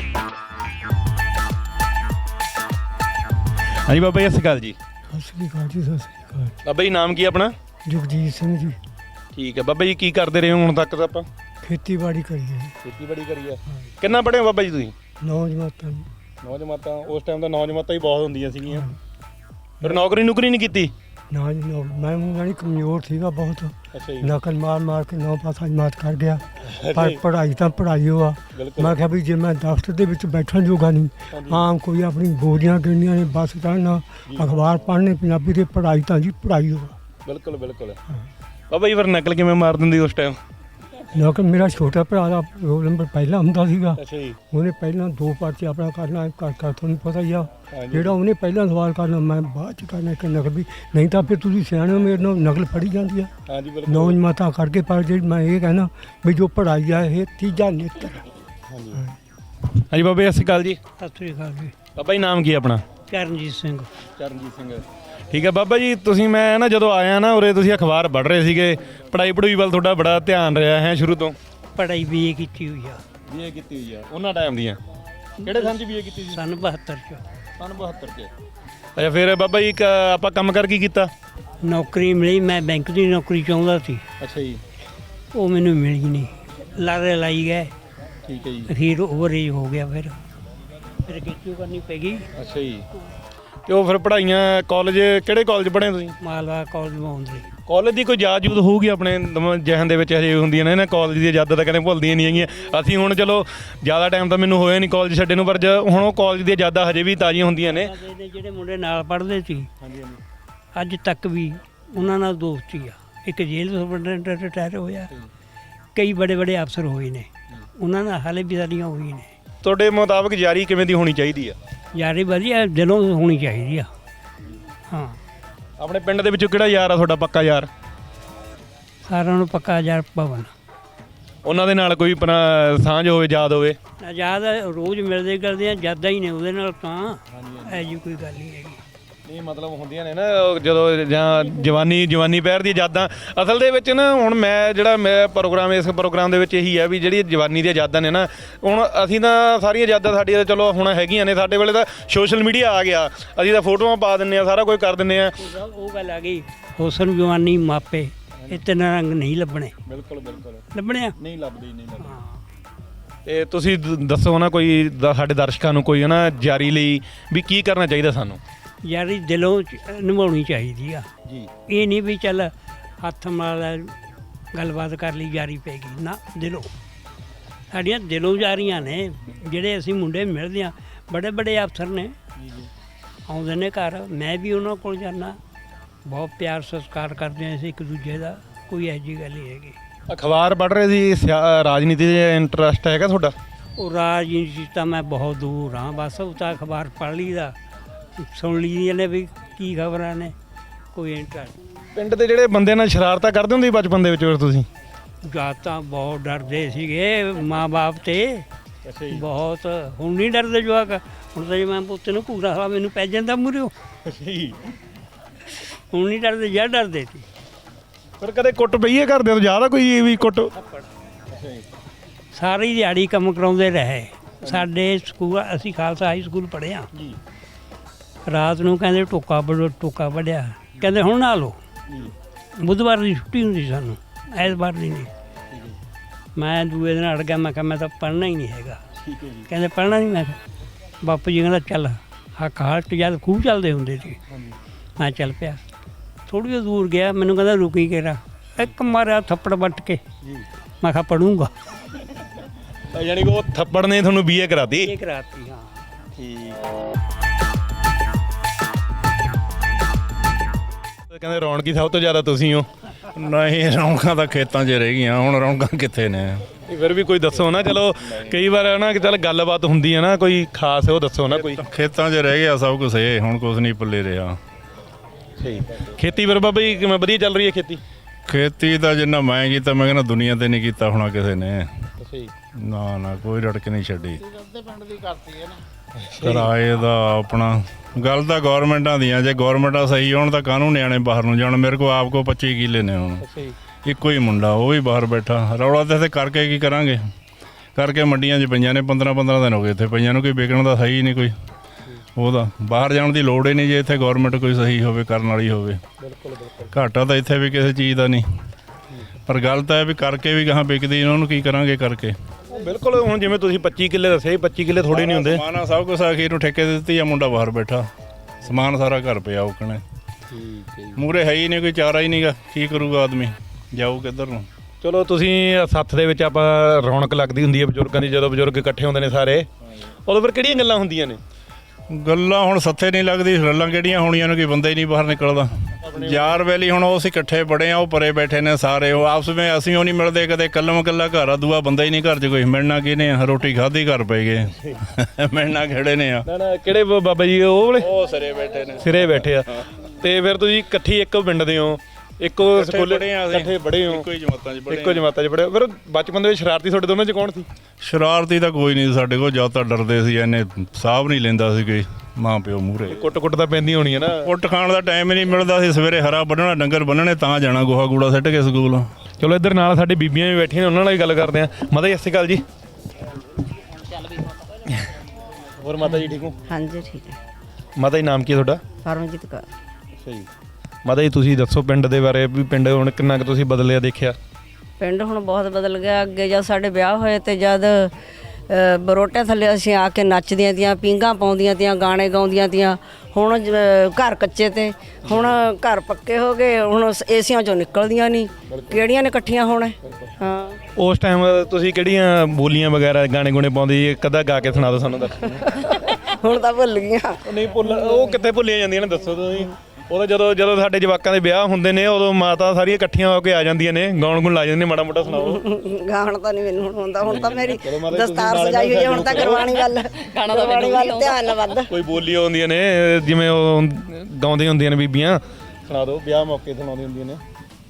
[SPEAKER 1] ਹਾਂਜੀ ਬਾਬਾ ਜੀ ਸਤਿ ਸ਼੍ਰੀ ਅਕਾਲ ਜੀ
[SPEAKER 4] ਸਤਿ ਸ੍ਰੀ ਅਕਾਲ ਜੀ, ਸਤਿ ਸ੍ਰੀ ਅਕਾਲ।
[SPEAKER 1] ਬਾਬਾ ਜੀ ਨਾਮ ਕੀ ਆਪਣਾ
[SPEAKER 4] ਜਗਜੀਤ ਸਿੰਘ ਜੀ,
[SPEAKER 1] ਠੀਕ ਹੈ ਬਾਬਾ ਜੀ ਕੀ ਕਰਦੇ ਰਹੇ ਹੋ ਹੁਣ ਤੱਕ ਤਾਂ ਆਪਾਂ
[SPEAKER 4] ਖੇਤੀਬਾੜੀ ਕਰੀ ਹੈ,
[SPEAKER 1] ਖੇਤੀਬਾੜੀ ਕਰੀ ਆ ਕਿੰਨਾ ਪੜ੍ਹੇ ਹੋ ਬਾਬਾ ਜੀ ਤੁਸੀਂ
[SPEAKER 4] ਨੌ ਜਮਾਤਾਂ ਜੀ।
[SPEAKER 1] ਨੌ ਜਮਾਤਾਂ ਉਸ ਟਾਈਮ ਤਾਂ ਨੌ ਜਮਾਤਾਂ ਹੀ ਬਹੁਤ ਹੁੰਦੀਆਂ ਸੀਗੀਆਂ ਫਿਰ ਨੌਕਰੀ ਨੁਕਰੀ ਨਹੀਂ ਕੀਤੀ
[SPEAKER 4] ਨਾ ਜੀ ਨੌ ਮੈਂ ਜਾਨੀ ਕਮਜ਼ੋਰ ਸੀਗਾ ਬਹੁਤ,
[SPEAKER 1] ਅੱਛਾ ਜੀ
[SPEAKER 4] ਨਕਲ ਮਾਰ ਮਾਰ ਕੇ ਨੌ ਪਾਸਾ ਜਮਾਤ ਕਰ ਗਿਆ, ਪਰ ਪੜ੍ਹਾਈ ਤਾਂ ਪੜ੍ਹਾਈ ਓ ਆ।
[SPEAKER 1] ਬਿਲਕੁਲ
[SPEAKER 4] ਮੈਂ ਕਿਹਾ ਵੀ ਜੇ ਮੈਂ ਦਫ਼ਤਰ ਦੇ ਵਿੱਚ ਬੈਠਣ ਜੋਗਾ ਨਹੀਂ, ਆਮ ਕੋਈ ਆਪਣੀ ਬੋਰੀਆਂ ਗਿਣਨੀਆਂ ਨੇ, ਬੱਸ ਚੜ੍ਹਨਾ, ਅਖਬਾਰ ਪੜ੍ਹਨੇ, ਪੰਜਾਬੀ ਦੀ ਪੜ੍ਹਾਈ ਤਾਂ ਜੀ ਪੜ੍ਹਾਈ ਓ ਆ।
[SPEAKER 1] ਬਿਲਕੁਲ ਬਿਲਕੁਲ ਬਾਬਾ ਜੀ ਫਿਰ ਨਕਲ ਕਿਵੇਂ ਮਾਰ ਦਿੰਦੀ ਉਸ ਟਾਈਮ
[SPEAKER 4] ਨਕਲ ਮੇਰਾ ਛੋਟਾ ਭਰਾ ਦਾ ਰੋਲ ਨੰਬਰ ਪਹਿਲਾਂ ਹੁੰਦਾ ਸੀਗਾ,
[SPEAKER 1] ਅੱਛਾ ਜੀ
[SPEAKER 4] ਉਹਨੇ ਪਹਿਲਾਂ ਦੋ ਪਰਚੇ ਆਪਣਾ ਕਰਨਾ, ਕਰ ਕਰ ਤੁਹਾਨੂੰ ਪਤਾ ਹੀ ਆ।
[SPEAKER 1] ਹਾਂਜੀ।
[SPEAKER 4] ਜਿਹੜਾ ਉਹਨੇ ਪਹਿਲਾਂ ਸਵਾਲ ਕਰਨਾ ਮੈਂ ਬਾਅਦ ਚ ਕਰਨਾ ਕਿ ਨਕਲ ਵੀ ਨਹੀਂ ਤਾਂ ਫਿਰ ਤੁਸੀਂ ਸਿਆਣੇ ਹੋ, ਮੇਰੇ ਨਾਲ ਨਕਲ ਫੜੀ ਜਾਂਦੀ ਆ।
[SPEAKER 1] ਹਾਂਜੀ ਬਿਲਕੁਲ
[SPEAKER 4] ਨੌ ਜਮਾਤਾਂ ਕਰਕੇ ਪਰ ਜਿਹੜੀ ਮੈਂ ਇਹ ਕਹਿਣਾ ਵੀ ਜੋ ਪੜ੍ਹਾਈ ਆ ਇਹ ਤੀਜਾ ਨੇਤਰ।
[SPEAKER 1] ਹਾਂਜੀ ਹਾਂਜੀ ਬਾਬਾ ਜੀ ਸਤਿ ਸ਼੍ਰੀ ਅਕਾਲ ਜੀ
[SPEAKER 6] ਸਤਿ ਸ੍ਰੀ ਅਕਾਲ ਜੀ।
[SPEAKER 1] ਬਾਬਾ ਜੀ ਨਾਮ ਕੀ ਆਪਣਾ
[SPEAKER 6] ਚਰਨਜੀਤ ਸਿੰਘ।
[SPEAKER 1] ਚਰਨਜੀਤ ਸਿੰਘ ਠੀਕ ਹੈ ਬਾਬਾ ਜੀ ਤੁਸੀਂ ਮੈਂ ਨਾ ਜਦੋਂ ਆਇਆ ਨਾ ਉਰੇ ਤੁਸੀਂ ਅਖਬਾਰ ਪੜ੍ਹ ਰਹੇ ਸੀਗੇ, ਪੜ੍ਹਾਈ ਪੜੂਈ ਵੱਲ ਤੁਹਾਡਾ ਬੜਾ ਧਿਆਨ ਰਿਹਾ ਹੈ ਸ਼ੁਰੂ ਤੋਂ
[SPEAKER 6] ਪੜ੍ਹਾਈ ਬੀਏ ਕੀਤੀ ਹੋਈ ਆ
[SPEAKER 1] ਬੀਏ ਕੀਤੀ ਹੋਈ ਆ ਉਹਨਾਂ ਟਾਈਮ ਦੀਆਂ ਕਿਹੜੇ ਸੰਨ ਚ ਬੀਏ ਕੀਤੀ ਸੀ
[SPEAKER 6] ਸੰਨ ਬਹੱਤਰ ਚ।
[SPEAKER 1] ਸੰਨ ਬਹੱਤਰ ਚ ਅੱਛਾ ਫਿਰ ਬਾਬਾ ਜੀ ਕ- ਆਪਾਂ ਕੰਮ ਕਰ ਕੀ ਕੀਤਾ
[SPEAKER 6] ਨੌਕਰੀ ਮਿਲੀ, ਮੈਂ ਬੈਂਕ ਦੀ ਨੌਕਰੀ ਚਾਹੁੰਦਾ ਸੀ,
[SPEAKER 1] ਅੱਛਾ ਜੀ
[SPEAKER 6] ਉਹ ਮੈਨੂੰ ਮਿਲੀ ਨਹੀਂ, ਲਾਰੇ ਲਾਈ ਗਏ,
[SPEAKER 1] ਠੀਕ ਹੈ ਜੀ
[SPEAKER 6] ਅਖੀਰ ਓਵਰਏਜ ਹੋ ਗਿਆ, ਫਿਰ ਫਿਰ ਕਿਉਂ ਕਰਨੀ ਪੈ ਗਈ।
[SPEAKER 1] ਅੱਛਾ ਜੀ ਤੇ ਉਹ ਫਿਰ ਪੜ੍ਹਾਈਆਂ ਕਾਲਜ ਕਿਹੜੇ ਕਾਲਜ ਪੜ੍ਹੇ ਤੁਸੀਂ
[SPEAKER 6] ਮਾਲਵਾ ਕਾਲਜ ਮੌਂਦਰੀ।
[SPEAKER 1] ਕਾਲਜ ਦੀ ਕੋਈ ਯਾਦ ਯੂਦ ਹੋਊਗੀ ਆਪਣੇ ਦਮ- ਜ਼ਿਹਨ ਦੇ ਵਿੱਚ ਹਜੇ ਹੁੰਦੀਆਂ ਨੇ ਨਾ ਕਾਲਜ ਦੀਆਂ ਯਾਦਾਂ ਤਾਂ ਕਹਿੰਦੇ ਭੁੱਲਦੀਆਂ ਨਹੀਂ ਹੈਗੀਆਂ ਅਸੀਂ ਹੁਣ ਚਲੋ ਜ਼ਿਆਦਾ ਟਾਈਮ ਤਾਂ ਮੈਨੂੰ ਹੋਇਆ ਨਹੀਂ ਕਾਲਜ ਛੱਡੇ ਨੂੰ ਪਰ ਜ- ਹੁਣ ਉਹ ਕਾਲਜ ਦੀਆਂ ਯਾਦਾਂ ਹਜੇ ਵੀ ਤਾਜ਼ੀਆਂ ਹੁੰਦੀਆਂ ਨੇ
[SPEAKER 6] ਸਾਡੇ ਜਿਹੜੇ ਮੁੰਡੇ ਨਾਲ ਪੜ੍ਹਦੇ ਸੀ
[SPEAKER 1] ਹਾਂਜੀ ਹਾਂਜੀ
[SPEAKER 6] ਅੱਜ ਤੱਕ ਵੀ ਉਹਨਾਂ ਨਾਲ ਦੋਸਤੀ ਆ। ਇੱਕ ਜੇਲ੍ਹ ਸੁਪਰਡੈਂਟ ਰਿਟਾਇਰ ਹੋਇਆ, ਕਈ ਬੜੇ ਬੜੇ ਅਫਸਰ ਹੋਏ ਨੇ, ਉਹਨਾਂ ਨਾਲ ਹਾਲੇ ਵੀ ਸਾਡੀਆਂ ਹੋਈ ਨੇ।
[SPEAKER 1] ਤੁਹਾਡੇ ਮੁਤਾਬਕ ਯਾਰੀ ਕਿਵੇਂ ਦੀ ਹੋਣੀ ਚਾਹੀਦੀ ਆ
[SPEAKER 6] ਯਾਰੀ ਵਧੀਆ ਦਿਲੋਂ ਹੋਣੀ ਚਾਹੀਦੀ ਆ। ਹਾਂ
[SPEAKER 1] ਆਪਣੇ ਪਿੰਡ ਦੇ ਵਿੱਚੋਂ ਕਿਹੜਾ ਯਾਰ ਆ ਤੁਹਾਡਾ ਪੱਕਾ ਯਾਰ
[SPEAKER 6] ਸਾਰਿਆਂ ਨੂੰ ਪੱਕਾ ਯਾਰ ਭਵਨ
[SPEAKER 1] ਉਹਨਾਂ ਦੇ ਨਾਲ ਕੋਈ ਆਪਣਾ ਸਾਂਝ ਹੋਵੇ ਯਾਦ ਹੋਵੇ
[SPEAKER 6] ਆਜ਼ਾਦ ਰੋਜ਼ ਮਿਲਦੇ ਕਰਦੇ ਆ, ਜ਼ਿਆਦਾ ਹੀ ਨੇ ਉਹਦੇ ਨਾਲ ਤਾਂ ਐ ਜੀ ਕੋਈ ਗੱਲ ਨਹੀਂ ਹੈਗੀ।
[SPEAKER 1] ਨਹੀਂ ਮਤਲਬ ਹੁੰਦੀਆਂ ਨੇ ਨਾ ਉਹ ਜਦੋਂ ਜਾਂ ਜਵਾਨੀ ਜਵਾਨੀ ਪਹਿਰ ਦੀ ਯਾਦਾਂ ਅਸਲ ਦੇ ਵਿੱਚ ਨਾ ਹੁਣ ਮੈਂ ਜਿਹੜਾ ਮੈਂ ਪ੍ਰੋਗਰਾਮ ਇਸ ਪ੍ਰੋਗਰਾਮ ਦੇ ਵਿੱਚ ਇਹੀ ਹੈ ਵੀ ਜਿਹੜੀ ਜਵਾਨੀ ਦੀਆਂ ਯਾਦਾਂ ਨੇ ਨਾ ਹੁਣ ਅਸੀਂ ਤਾਂ ਸਾਰੀਆਂ ਯਾਦਾਂ ਸਾਡੀਆਂ ਤਾਂ ਚਲੋ ਹੁਣ ਹੈਗੀਆਂ ਨੇ ਸਾਡੇ ਵੇਲੇ ਤਾਂ ਸੋਸ਼ਲ ਮੀਡੀਆ ਆ ਗਿਆ ਅਸੀਂ ਤਾਂ ਫੋਟੋਆਂ ਪਾ ਦਿੰਦੇ ਆ ਸਾਰਾ ਕੁਝ ਕਰ ਦਿੰਦੇ ਆ
[SPEAKER 6] ਉਹ- ਉਹ ਗੱਲ ਆ ਗਈ ਹੁਸਨ ਜਵਾਨੀ ਮਾਪੇ ਇਹ ਤਿੰਨ ਰੰਗ ਨਹੀਂ ਲੱਭਣੇ।
[SPEAKER 1] ਬਿਲਕੁਲ ਬਿਲਕੁਲ
[SPEAKER 6] ਲੱਭਣੇ ਆ
[SPEAKER 1] ਨਹੀਂ ਲੱਭਦੀ ਨਹੀਂ ਲੱਭਦੀ
[SPEAKER 6] ਹਾਂ।
[SPEAKER 1] ਤੇ ਤੁਸੀਂ ਦ- ਦੱਸੋ ਨਾ ਕੋਈ ਦ- ਸਾਡੇ ਦਰਸ਼ਕਾਂ ਨੂੰ ਕੋਈ ਨਾ ਜਾਰੀ ਲਈ ਵੀ ਕੀ ਕਰਨਾ ਚਾਹੀਦਾ ਸਾਨੂੰ
[SPEAKER 6] ਯਾਰੀ ਦਿਲੋਂ ਚ- ਨਿਭਾਉਣੀ ਚਾਹੀਦੀ ਆ।
[SPEAKER 1] ਜੀ
[SPEAKER 6] ਇਹ ਨਹੀਂ ਵੀ ਚੱਲ ਹੱਥ ਮਾਰ ਗੱਲਬਾਤ ਕਰ ਲਈ ਯਾਰੀ ਪੈ ਗਈ, ਨਾ ਦਿਲੋਂ ਸਾਡੀਆਂ ਦਿਲੋਂ ਯਾਰੀਆਂ ਨੇ। ਜਿਹੜੇ ਅਸੀਂ ਮੁੰਡੇ ਮਿਲਦੇ ਆ ਬੜੇ ਬੜੇ ਅਫਸਰ ਨੇ ਆਉਂਦੇ ਨੇ ਘਰ, ਮੈਂ ਵੀ ਉਹਨਾਂ ਕੋਲ ਜਾਂਦਾ, ਬਹੁਤ ਪਿਆਰ ਸਤਿਕਾਰ ਕਰਦੇ ਹਾਂ ਅਸੀਂ ਇੱਕ ਦੂਜੇ ਦਾ, ਕੋਈ ਇਹੋ ਜਿਹੀ ਗੱਲ ਨਹੀਂ ਹੈਗੀ।
[SPEAKER 1] ਅਖਬਾਰ ਪੜ੍ਹ ਰਹੇ ਸੀ ਸਿਆ- ਰਾਜਨੀਤੀ ਦੇ ਇੰਟਰਸਟ ਹੈਗਾ ਤੁਹਾਡਾ
[SPEAKER 6] ਉਹ ਰਾਜਨੀਤੀ ਤਾਂ ਮੈਂ ਬਹੁਤ ਦੂਰ ਹਾਂ, ਬਸ ਉਹ ਤਾਂ ਅਖਬਾਰ ਪੜ੍ਹ ਲਈਦਾ, ਸੁਣ ਲਈਦੀਆਂ ਨੇ ਵੀ ਕੀ ਖਬਰਾਂ ਨੇ, ਕੋਈ ਇੰਟਰਸਟ।
[SPEAKER 1] ਪਿੰਡ ਦੇ ਜਿਹੜੇ ਬੰਦੇ ਨਾਲ ਸ਼ਰਾਰਤਾਂ ਕਰਦੇ ਹੁੰਦੇ ਸੀ ਬਚਪਨ ਦੇ ਵਿੱਚ ਫਿਰ ਤੁਸੀਂ
[SPEAKER 6] ਜਾਂ ਤਾਂ ਬਹੁਤ ਡਰਦੇ ਸੀਗੇ ਮਾਂ-ਬਾਪ ਤੇ,
[SPEAKER 1] ਅੱਛਾ
[SPEAKER 6] ਬਹੁਤ। ਹੁਣ ਨਹੀਂ ਡਰਦੇ ਜਵਾਕ, ਹੁਣ ਤਾਂ ਜੇ ਮੈਂ ਪੁੱਤ ਨੂੰ ਪੂਰਾ ਹਾਲਾ ਮੈਨੂੰ ਪੈ ਜਾਂਦਾ ਮੂਹਰਿਓ,
[SPEAKER 1] ਅੱਛਾ ਜੀ
[SPEAKER 6] ਹੁਣ ਨਹੀਂ ਡਰਦੇ, ਜਾਂ ਡਰਦੇ ਸੀ।
[SPEAKER 1] ਫਿਰ ਕਦੇ ਕੁੱਟ ਪਈ ਹੈ ਘਰਦਿਆਂ ਤੋਂ ਜ਼ਿਆਦਾ ਕੋਈ ਵੀ ਕੁੱਟ
[SPEAKER 6] ਸਾਰੀ ਦਿਹਾੜੀ ਕੰਮ ਕਰਾਉਂਦੇ ਰਹੇ। ਸਾਡੇ ਸਕੂਲ ਅਸੀਂ ਖਾਲਸਾ ਹਾਈ ਸਕੂਲ ਪੜ੍ਹੇ
[SPEAKER 1] ਜੀ
[SPEAKER 6] ਰਾਤ ਨੂੰ ਕਹਿੰਦੇ ਟੋਕਾ ਵੱਢੋ, ਟੋਕਾ ਵੱਢਿਆ, ਕਹਿੰਦੇ ਹੁਣ ਨਹਾ ਲਓ। ਬੁੱਧਵਾਰ ਦੀ ਛੁੱਟੀ ਹੁੰਦੀ ਸਾਨੂੰ, ਐਤਵਾਰ ਦੀ ਨਹੀਂ। ਮੈਂ ਦੂਏ ਦਿਨ ਅੜ ਗਿਆ, ਮੈਂ ਕਿਹਾ ਮੈਂ ਤਾਂ ਪੜ੍ਹਨਾ ਹੀ ਨਹੀਂ ਹੈਗਾ।
[SPEAKER 1] ਠੀਕ ਹੈ ਜੀ
[SPEAKER 6] ਕਹਿੰਦੇ ਪੜ੍ਹਨਾ ਨਹੀਂ, ਮੈਂ ਕਿਹਾ ਬਾਪੂ ਜੀ ਕਹਿੰਦਾ ਚੱਲ ਆਹ ਕਾਲਟ ਜਦ ਖੂਹ ਚੱਲਦੇ ਹੁੰਦੇ ਸੀ, ਮੈਂ ਚੱਲ ਪਿਆ। ਥੋੜ੍ਹੀ ਦੂਰ ਗਿਆ, ਮੈਨੂੰ ਕਹਿੰਦਾ ਰੁਕੀ ਕੇਰਾ, ਇੱਕ ਮਾਰਿਆ ਥੱਪੜ ਵੱਟ ਕੇ, ਮੈਂ ਕਿਹਾ ਪੜੂੰਗਾ।
[SPEAKER 1] ਯਾਨੀ ਕਿ ਉਹ ਥੱਪੜ ਨੇ ਤੁਹਾਨੂੰ ਬੀਏ ਕਰਾਤੀ
[SPEAKER 6] ਇਹ ਕਰਾਤੀ ਹਾਂ।
[SPEAKER 1] ਠੀਕ ਕਹਿੰਦੇ ਰੌਣਕੀ ਸਭ ਤੋਂ ਜ਼ਿਆਦਾ ਤੁਸੀਂ ਹੋ
[SPEAKER 7] ਨਹੀਂ ਰੌਣਕਾਂ ਤਾਂ ਖੇਤਾਂ 'ਚ ਰਹਿ ਗਈਆਂ, ਹੁਣ ਰੌਣਕਾਂ ਕਿੱਥੇ ਨੇ।
[SPEAKER 1] ਫਿਰ ਵੀ ਕੋਈ ਦੱਸੋ ਨਾ, ਚਲੋ ਕਈ ਵਾਰ ਨਾ ਕਿ ਚੱਲ ਗੱਲਬਾਤ ਹੁੰਦੀ ਹੈ ਨਾ, ਕੋਈ ਖਾਸ ਉਹ ਦੱਸੋ ਨਾ ਕੋਈ।
[SPEAKER 7] ਖੇਤਾਂ 'ਚ ਰਹਿ ਗਿਆ ਸਭ ਕੁਝ, ਇਹ ਹੁਣ ਕੁਝ ਨਹੀਂ ਪੱਲੇ ਰਿਹਾ।
[SPEAKER 1] ਸਹੀ। ਖੇਤੀ ਫਿਰ ਬਾਬਾ ਜੀ ਕਿਵੇਂ ਵਧੀਆ ਚੱਲ ਰਹੀ ਹੈ ਖੇਤੀ?
[SPEAKER 7] ਖੇਤੀ ਦਾ ਜਿੰਨਾ ਮੈਂ ਕੀਤਾ ਮੈਂ ਕਹਿੰਦਾ ਦੁਨੀਆ ਤੇ ਨਹੀਂ ਕੀਤਾ ਹੋਣਾ ਕਿਸੇ ਨੇ।
[SPEAKER 1] ਸਹੀ।
[SPEAKER 7] ਨਾ ਨਾ ਕੋਈ ਰੜਕ ਨਹੀਂ ਛੱਡੀ।
[SPEAKER 2] ਅੱਧੇ ਪਿੰਡ ਦੀ ਕਰਤੀ ਹੈ ਨਾ।
[SPEAKER 7] ਕਿਰਾਏ ਦਾ ਆਪਣਾ ਗੱਲ ਤਾਂ ਗੌਰਮੈਂਟਾਂ ਦੀਆਂ, ਜੇ ਗੌਰਮੈਂਟਾਂ ਸਹੀ ਹੋਣ ਤਾਂ ਕਾਹਨੂੰ ਨਿਆਣੇ ਬਾਹਰ ਨੂੰ ਜਾਣ। ਮੇਰੇ ਕੋਲ ਆਪ ਕੋ ਪੱਚੀ ਕਿੱਲੇ ਨੇ ਹੁਣ, ਇੱਕੋ ਹੀ ਮੁੰਡਾ ਉਹ ਵੀ ਬਾਹਰ ਬੈਠਾ। ਰੌਲਾ ਤੇ ਇੱਥੇ ਕਰਕੇ ਕੀ ਕਰਾਂਗੇ, ਕਰਕੇ ਮੰਡੀਆਂ 'ਚ ਪਈਆਂ ਨੇ, ਪੰਦਰਾਂ ਪੰਦਰਾਂ ਦਿਨ ਹੋ ਗਏ ਇੱਥੇ ਪਈਆਂ ਨੂੰ, ਕੋਈ ਵਿਕਣ ਦਾ ਸਹੀ ਨਹੀਂ ਕੋਈ। ਉਹਦਾ ਬਾਹਰ ਜਾਣ ਦੀ ਲੋੜ ਹੀ ਨਹੀਂ ਜੇ ਇੱਥੇ ਗੌਰਮੈਂਟ ਕੋਈ ਸਹੀ ਹੋਵੇ, ਕਰਨ ਵਾਲੀ ਹੋਵੇ। ਘਾਟਾ ਤਾਂ ਇੱਥੇ ਵੀ ਕਿਸੇ ਚੀਜ਼ ਦਾ ਨਹੀਂ, ਪਰ ਗੱਲ ਤਾਂ ਇਹ ਵੀ ਕਰਕੇ ਵੀ ਗਾਹਾਂ ਵਿਕਦੀ ਇਹਨਾਂ ਨੂੰ ਕੀ ਕਰਾਂਗੇ ਕਰਕੇ।
[SPEAKER 1] ਬਿਲਕੁਲ। ਹੁਣ ਜਿਵੇਂ ਤੁਸੀਂ ਪੱਚੀ ਕਿੱਲੇ ਦੱਸੇ, ਪੱਚੀ ਕਿੱਲੇ ਥੋੜੇ ਨਹੀਂ ਹੁੰਦੇ।
[SPEAKER 7] ਸਮਾਨ ਸਭ ਕੁਛ ਆਖੀਰ ਨੂੰ ਠੇਕੇ ਦੇ ਦਿੱਤੀ ਆ, ਮੁੰਡਾ ਬਾਹਰ ਬੈਠਾ, ਸਮਾਨ ਸਾਰਾ ਘਰ ਪਿਆ ਉਕਣੇ। ਮੂਰੇ ਹੈ ਹੀ ਨਹੀਂ ਕੋਈ, ਚਾਰਾ ਹੀ ਨਹੀਂਗਾ, ਕੀ ਕਰੂਗਾ ਆਦਮੀ, ਜਾਊ ਕਿੱਧਰ ਨੂੰ।
[SPEAKER 1] ਚਲੋ ਤੁਸੀਂ ਸੱਥ ਦੇ ਵਿੱਚ ਆਪਾਂ ਰੌਣਕ ਲੱਗਦੀ ਹੁੰਦੀ ਹੈ ਬਜ਼ੁਰਗਾਂ ਦੀ, ਜਦੋਂ ਬਜ਼ੁਰਗ ਇਕੱਠੇ ਹੁੰਦੇ ਨੇ ਸਾਰੇ, ਉਦੋਂ ਫਿਰ ਕਿਹੜੀਆਂ ਗੱਲਾਂ ਹੁੰਦੀਆਂ ਨੇ?
[SPEAKER 7] ਗੱਲਾਂ ਹੁਣ ਸੱਥੇ ਨਹੀਂ ਲੱਗਦੀ, ਗੱਲਾਂ ਕਿਹੜੀਆਂ ਹੋਣੀਆਂ ਨੇ, ਕੋਈ ਬੰਦਾ ਹੀ ਨਹੀਂ ਬਾਹਰ ਨਿਕਲਦਾ। ਯਾਰ ਵੈਲੀ ਹੁਣ ਉਹ ਅਸੀਂ ਇਕੱਠੇ ਬੜੇ ਆ, ਉਹ ਪਰੇ ਬੈਠੇ ਨੇ ਸਾਰੇ, ਉਹ ਆਪਸ ਵਿੱਚ ਅਸੀਂ ਉਹ ਨਹੀਂ ਮਿਲਦੇ ਕਦੇ। ਕੱਲਮ ਕੱਲਾ ਘਰ ਆ, ਦੂਆ ਬੰਦਾ ਹੀ ਨਹੀਂ ਘਰ 'ਚ ਕੋਈ। ਮਿਲਣਾ ਕਿਹਨੇ ਆ, ਰੋਟੀ ਖਾਧੀ ਘਰ ਪੈ ਗਏ, ਮਿਲਣਾ ਖੇੜੇ ਨੇ ਆ।
[SPEAKER 1] ਨਾ ਨਾ ਕਿਹੜੇ ਬ- ਬਾਬਾ ਜੀ ਉਹ ਵਾਲੇ
[SPEAKER 7] ਉਹ ਸਿਰੇ ਬੈਠੇ ਨੇ,
[SPEAKER 1] ਸਿਰੇ ਬੈਠੇ ਆ। ਤੇ ਫਿਰ ਤੁਸੀਂ ਇਕੱਠੀ ਇੱਕੋ ਪਿੰਡ ਦੇ ਹੋ, ਇੱਕੋ ਸਕੂਲੇ
[SPEAKER 7] ਪੜ੍ਹੇ ਆ ਅਸੀਂ,
[SPEAKER 1] ਇਕੱਠੇ ਪੜ੍ਹੇ ਹੋ,
[SPEAKER 7] ਇੱਕੋ ਹੀ ਜਮਾਤਾਂ 'ਚ ਪੜ੍ਹੇ
[SPEAKER 1] ਇੱਕੋ ਜਮਾਤਾਂ 'ਚ ਪੜ੍ਹੇ ਹੋ। ਫਿਰ ਬਚਪਨ ਦੇ ਵਿੱਚ ਸ਼ਰਾਰਤੀ ਤੁਹਾਡੇ ਦੋਨਾਂ 'ਚ ਕੌਣ ਸੀ?
[SPEAKER 7] ਸ਼ਰਾਰਤੀ ਤਾਂ ਕੋਈ ਨਹੀਂ ਸਾਡੇ ਕੋਲ, ਜਦ ਤਾਂ ਡਰਦੇ ਸੀ, ਇਹਨੇ ਸਾਹਬ ਨਹੀਂ ਲੈਂਦਾ ਸੀ ਕੋਈ ਮਾਂ ਪਿਓ ਮੂਹਰੇ।
[SPEAKER 1] ਕੁੱਟ ਕੁੱਟ ਤਾਂ ਪੈਂਦੀ ਹੋਣੀ ਹੈ ਨਾ।
[SPEAKER 7] ਉੱਠ ਖਾਣ ਦਾ ਟਾਈਮ ਹੀ ਨਹੀਂ ਮਿਲਦਾ ਸੀ, ਸਵੇਰੇ ਹਰਾ ਬੰਨਣਾ, ਡੰਗਰ ਬੰਨਣੇ, ਤਾਂ ਜਾਣਾ ਗੋਹਾ ਗੂੜਾ ਸਿੱਟ ਕੇ ਸਕੂਲ।
[SPEAKER 1] ਚਲੋ ਇੱਧਰ ਨਾਲ ਸਾਡੇ ਬੀਬੀਆਂ ਵੀ ਬੈਠੀਆਂ ਨੇ, ਉਹਨਾਂ ਨਾਲ ਵੀ ਗੱਲ ਕਰਦੇ ਆ। ਮਾਤਾ ਜੀ ਸਤਿ ਸ਼੍ਰੀ ਅਕਾਲ ਜੀ। ਹੋਰ ਮਾਤਾ ਜੀ ਠੀਕ ਹੋ?
[SPEAKER 5] ਹਾਂਜੀ ਠੀਕ ਹੈ।
[SPEAKER 1] ਮਾਤਾ ਜੀ ਨਾਮ ਕੀ ਹੈ ਤੁਹਾਡਾ?
[SPEAKER 5] ਪਰਮਜੀਤ ਕੌਰ।
[SPEAKER 1] ਅੱਛਾ ਜੀ। ਮਾਤਾ ਜੀ ਤੁਸੀਂ ਦੱਸੋ ਪਿੰਡ ਦੇ ਬਾਰੇ, ਵੀ ਪਿੰਡ ਹੁਣ ਕਿੰਨਾ ਕੁ ਤੁਸੀਂ ਬਦਲਿਆ ਦੇਖਿਆ?
[SPEAKER 5] ਪਿੰਡ ਹੁਣ ਬਹੁਤ ਬਦਲ ਗਿਆ। ਅੱਗੇ ਜਦ ਸਾਡੇ ਵਿਆਹ ਹੋਏ ਤੇ ਜਦ ਅ, ਬਰੋਟੇ ਥੱਲੇ ਅਸੀਂ ਆ ਕੇ ਨੱਚਦੀਆਂ ਤੀਆਂ, ਪੀਂਘਾਂ ਪਾਉਂਦੀਆਂ ਤੀਆਂ, ਗਾਣੇ ਗਾਉਂਦੀਆਂ ਤੀਆਂ। ਹੁਣ ਜ- ਘਰ ਕੱਚੇ ਤੇ ਹੁਣ ਘਰ ਪੱਕੇ ਹੋ ਗਏ, ਹੁਣ ਏਸੀਆਂ ਚੋਂ ਨਿਕਲਦੀਆਂ ਨਹੀਂ, ਕਿਹੜੀਆਂ ਨੇ ਇਕੱਠੀਆਂ ਹੋਣਾ। ਹਾਂ
[SPEAKER 1] ਉਸ ਟਾਈਮ ਤੁਸੀਂ ਕਿਹੜੀਆਂ ਬੋਲੀਆਂ ਵਗੈਰਾ ਗਾਣੇ ਗੁਣੇ ਪਾਉਂਦੇ ਜੀ? ਇੱਕ ਅੱਧਾ ਗਾ ਕੇ ਸੁਣਾ ਦਿਓ ਸਾਨੂੰ। ਦੱਸੋ।
[SPEAKER 5] ਹੁਣ ਤਾਂ ਭੁੱਲ ਗਈਆਂ।
[SPEAKER 1] ਨਹੀਂ ਭੁੱਲ, ਉਹ ਕਿੱਥੇ ਭੁੱਲੀਆਂ ਜਾਂਦੀਆਂ ਨੇ, ਦੱਸੋ ਤੁਸੀਂ। ਉਹਦਾ ਜਦੋਂ ਜਦੋਂ ਸਾਡੇ ਜਵਾਕਾਂ ਦੇ ਵਿਆਹ ਹੁੰਦੇ ਨੇ, ਉਦੋਂ ਮਾਤਾ ਸਾਰੀਆਂ ਇਕੱਠੀਆਂ ਹੋ ਕੇ ਆ ਜਾਂਦੀਆਂ ਨੇ, ਗਾਉਣ ਗੁਣ ਲਾ ਜਾਂਦੀਆਂ ਨੇ। ਮਾੜਾ ਮੋਟਾ ਸੁਣਾਓ।
[SPEAKER 5] ਗਾਣ ਤਾਂ ਨਹੀਂ ਮੈਨੂੰ ਹੁਣ ਹੁੰਦਾ, ਹੁਣ ਤਾਂ ਮੇਰੀ ਦਸਤਾਰ ਸਜਾਈ ਹੋਈ ਹੈ, ਹੁਣ ਤਾਂ ਗੁਰਬਾਣੀ ਵੱਲ ਗਾਣਾ ਤਾਂ ਗੁਰਬਾਣੀ ਵੱਲ ਧਿਆਨ ਨਾ ਵੱਧ।
[SPEAKER 1] ਕੋਈ ਬੋਲੀ ਆਉਂਦੀਆਂ ਨੇ ਜਿਵੇਂ ਉਹ ਗਾਉਂਦੀਆਂ ਹੁੰਦੀਆਂ ਨੇ ਬੀਬੀਆਂ, ਸੁਣਾ ਦਿਓ। ਵਿਆਹ ਮੌਕੇ ਸੁਣਾਉਂਦੀਆਂ ਹੁੰਦੀਆਂ ਨੇ।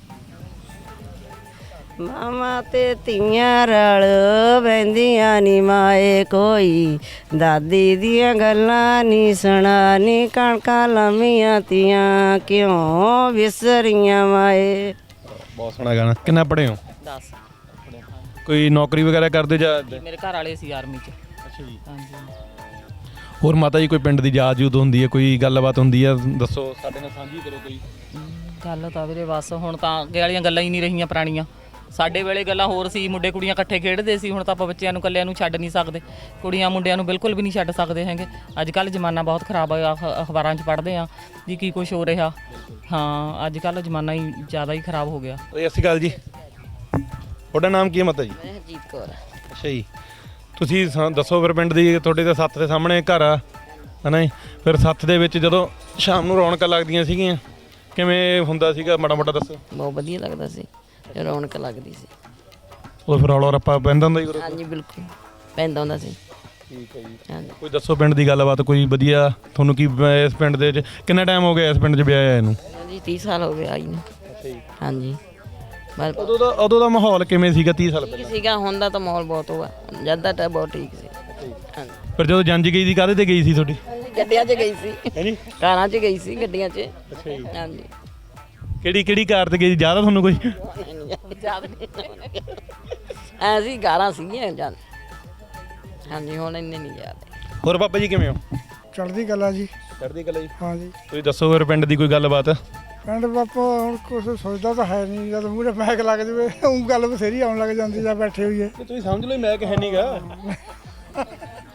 [SPEAKER 5] ਮਾਮਾ ਤੇ ਧੀਆਂ ਰਲ ਬੈਂਦੀਆਂ ਨੀ ਮਾਏ, ਕੋਈ ਦਾਦੀ ਦੀਆਂ ਗੱਲਾਂ ਨੀ ਸੁਣਾ ਨੀ, ਕਣਕਾਂ ਲੰਮੀਆਂ ਤੀਆਂ ਕਿਉਂ ਵਿਸਰੀਆਂ ਮਾਏ।
[SPEAKER 1] ਬਹੁਤ ਸੋਹਣਾ ਗਾਣਾ। ਕਿੰਨਾ ਪੜ੍ਹੇ ਹੋ?
[SPEAKER 8] ਦਸ।
[SPEAKER 1] ਕੋਈ ਨੌਕਰੀ ਵਗੈਰਾ ਕਰਦੇ ਜਾਂ?
[SPEAKER 8] ਮੇਰੇ ਘਰ ਵਾਲੇ ਸੀ ਆਰਮੀ ਚ।
[SPEAKER 1] ਅੱਛਾ ਜੀ।
[SPEAKER 8] ਹਾਂਜੀ।
[SPEAKER 1] ਹੋਰ ਮਾਤਾ ਜੀ ਕੋਈ ਪਿੰਡ ਦੀ ਯਾਦ ਯੂਦ ਹੁੰਦੀ ਹੈ, ਕੋਈ ਗੱਲਬਾਤ ਹੁੰਦੀ ਹੈ, ਦੱਸੋ ਸਾਡੇ ਨਾਲ ਸਾਂਝੀ ਕਰੋ ਕੋਈ।
[SPEAKER 8] ਗੱਲ ਤਾਂ ਵੀਰੇ ਬਸ ਹੁਣ ਤਾਂ ਅੱਗੇ ਵਾਲੀਆਂ ਗੱਲਾਂ ਹੀ ਨਹੀਂ ਰਹੀਆਂ ਪੁਰਾਣੀਆਂ। ਸਾਡੇ ਵੇਲੇ ਗੱਲਾਂ ਹੋਰ ਸੀ, ਮੁੰਡੇ ਕੁੜੀਆਂ ਇਕੱਠੇ ਖੇਡਦੇ ਸੀ। ਹੁਣ ਤਾਂ ਆਪਾਂ ਬੱਚਿਆਂ ਨੂੰ ਇਕੱਲਿਆਂ ਨੂੰ ਛੱਡ ਨਹੀਂ ਸਕਦੇ, ਕੁੜੀਆਂ ਮੁੰਡਿਆਂ ਨੂੰ ਬਿਲਕੁਲ ਵੀ ਨਹੀਂ ਛੱਡ ਸਕਦੇ ਹੈਗੇ। ਅੱਜ ਕੱਲ੍ਹ ਜ਼ਮਾਨਾ ਬਹੁਤ ਖਰਾਬ ਹੋਇਆ, ਅਖ- ਅਖਬਾਰਾਂ 'ਚ ਪੜ੍ਹਦੇ ਆ ਜੀ ਕੀ ਕੁਛ ਹੋ ਰਿਹਾ। ਹਾਂ ਅੱਜ ਕੱਲ੍ਹ ਜ਼ਮਾਨਾ ਹੀ ਜ਼ਿਆਦਾ ਹੀ ਖਰਾਬ ਹੋ ਗਿਆ।
[SPEAKER 1] ਸਤਿ ਸ਼੍ਰੀ ਅਕਾਲ ਜੀ। ਤੁਹਾਡਾ ਨਾਮ ਕੀ ਹੈ ਮਾਤਾ ਜੀ?
[SPEAKER 5] ਹਰਜੀਤ ਕੌਰ।
[SPEAKER 1] ਅੱਛਾ ਜੀ। ਤੁਸੀਂ ਸਾ- ਦੱਸੋ ਫਿਰ ਪਿੰਡ ਦੀ, ਤੁਹਾਡੇ ਤਾਂ ਸੱਥ ਦੇ ਸਾਹਮਣੇ ਘਰ ਆ ਹੈ ਨਾ ਜੀ, ਫਿਰ ਸੱਥ ਦੇ ਵਿੱਚ ਜਦੋਂ ਸ਼ਾਮ ਨੂੰ ਰੌਣਕਾਂ ਲੱਗਦੀਆਂ ਸੀਗੀਆਂ, ਕਿਵੇਂ ਹੁੰਦਾ ਸੀਗਾ, ਮਾੜਾ ਮੋਟਾ ਦੱਸੋ।
[SPEAKER 5] ਬਹੁਤ ਵਧੀਆ ਲੱਗਦਾ ਸੀ, ਰੌਣਕ ਲੱਗਦੀ ਸੀ।
[SPEAKER 1] ਉਹ ਫਿਰ ਰੌਲਾ ਰੱਪਾ ਪੈਂਦਾ ਹੁੰਦਾ ਜੀ?
[SPEAKER 5] ਹਾਂਜੀ ਬਿਲਕੁਲ ਪੈਂਦਾ ਹੁੰਦਾ ਸੀ।
[SPEAKER 1] ਠੀਕ ਹੈ ਜੀ।
[SPEAKER 5] ਹਾਂਜੀ
[SPEAKER 1] ਕੋਈ ਦੱਸੋ ਪਿੰਡ ਦੀ ਗੱਲਬਾਤ ਕੋਈ ਵਧੀਆ ਤੁਹਾਨੂੰ, ਕੀ ਇਸ ਪਿੰਡ ਦੇ ਵਿੱਚ ਕਿੰਨਾ ਟਾਈਮ ਹੋ ਗਿਆ ਇਸ ਪਿੰਡ 'ਚ ਵਿਆਹ ਆਇਆ ਇਹਨੂੰ?
[SPEAKER 5] ਜੀ ਤੀਹ ਸਾਲ ਹੋ ਗਏ ਆਈ ਨੂੰ।
[SPEAKER 1] ਅੱਛਾ ਜੀ।
[SPEAKER 5] ਹਾਂਜੀ ਬਸ
[SPEAKER 1] ਉਦੋਂ ਦਾ ਉਦੋਂ ਦਾ ਮਾਹੌਲ ਕਿਵੇਂ ਸੀਗਾ ਤੀਹ ਸਾਲ
[SPEAKER 5] ਠੀਕ
[SPEAKER 1] ਪਹਿਲਾਂ?
[SPEAKER 5] ਸੀਗਾ, ਹੁਣ ਦਾ ਤਾਂ ਮਾਹੌਲ ਬਹੁਤ ਹੋਆ, ਜਦ ਦਾ ਤਾਂ ਬਹੁਤ ਠੀਕ ਸੀ। ਹਾਂਜੀ
[SPEAKER 1] ਫਿਰ ਜਦੋਂ ਜੰਜ ਗਈ ਸੀ ਕਾਹਦੇ ਤੇ ਗਈ ਸੀ ਤੁਹਾਡੀ?
[SPEAKER 5] ਗੱਡੀਆਂ 'ਚ ਗਈ ਸੀ,
[SPEAKER 1] ਹੈ ਜੀ।
[SPEAKER 5] ਕਾਰਾਂ 'ਚ ਗਈ ਸੀ, ਗੱਡੀਆਂ 'ਚ।
[SPEAKER 1] ਅੱਛਾ ਜੀ।
[SPEAKER 5] ਹਾਂਜੀ
[SPEAKER 1] ਕਿਹੜੀ ਕਿਹੜੀ ਕਾਰ ਤੇ ਗਈ ਸੀ, ਜ਼ਿਆਦਾ ਤੁਹਾਨੂੰ ਕੋਈ?
[SPEAKER 5] ਯਾਦ ਨਹੀਂ ਐ ਸੀ, ਕਾਰਾਂ ਸੀਗੀਆਂ ਜਦ। ਹਾਂਜੀ ਹੁਣ ਇੰਨੇ ਨਹੀਂ ਯਾਦ।
[SPEAKER 1] ਹੋਰ ਬਾਬਾ ਜੀ ਕਿਵੇਂ ਹੋ?
[SPEAKER 9] ਚੜ੍ਹਦੀ ਕਲਾ ਜੀ।
[SPEAKER 1] ਚੜ੍ਹਦੀ ਕਲਾ ਜੀ।
[SPEAKER 9] ਹਾਂ ਜੀ।
[SPEAKER 1] ਤੁਸੀਂ ਦੱਸੋ ਫਿਰ ਪਿੰਡ ਦੀ ਕੋਈ ਗੱਲਬਾਤ।
[SPEAKER 9] ਪਿੰਡ ਬਾਪਾ ਹੁਣ ਕੁਛ ਸੋਚਦਾ ਤਾਂ ਹੈ ਨਹੀਂ, ਜਦ ਮੂਹਰੇ ਮੈਕ ਲੱਗ ਜਾਵੇ ਉਹ ਗੱਲ ਬਥੇਰੀ ਆਉਣ ਲੱਗ ਜਾਂਦੀ ਜਾਂ ਬੈਠੇ ਹੋਈਏ।
[SPEAKER 1] ਤੁਸੀਂ ਸਮਝ ਲਓ ਮੈਂ ਕਿ ਹੈ ਨਹੀਂਗਾ।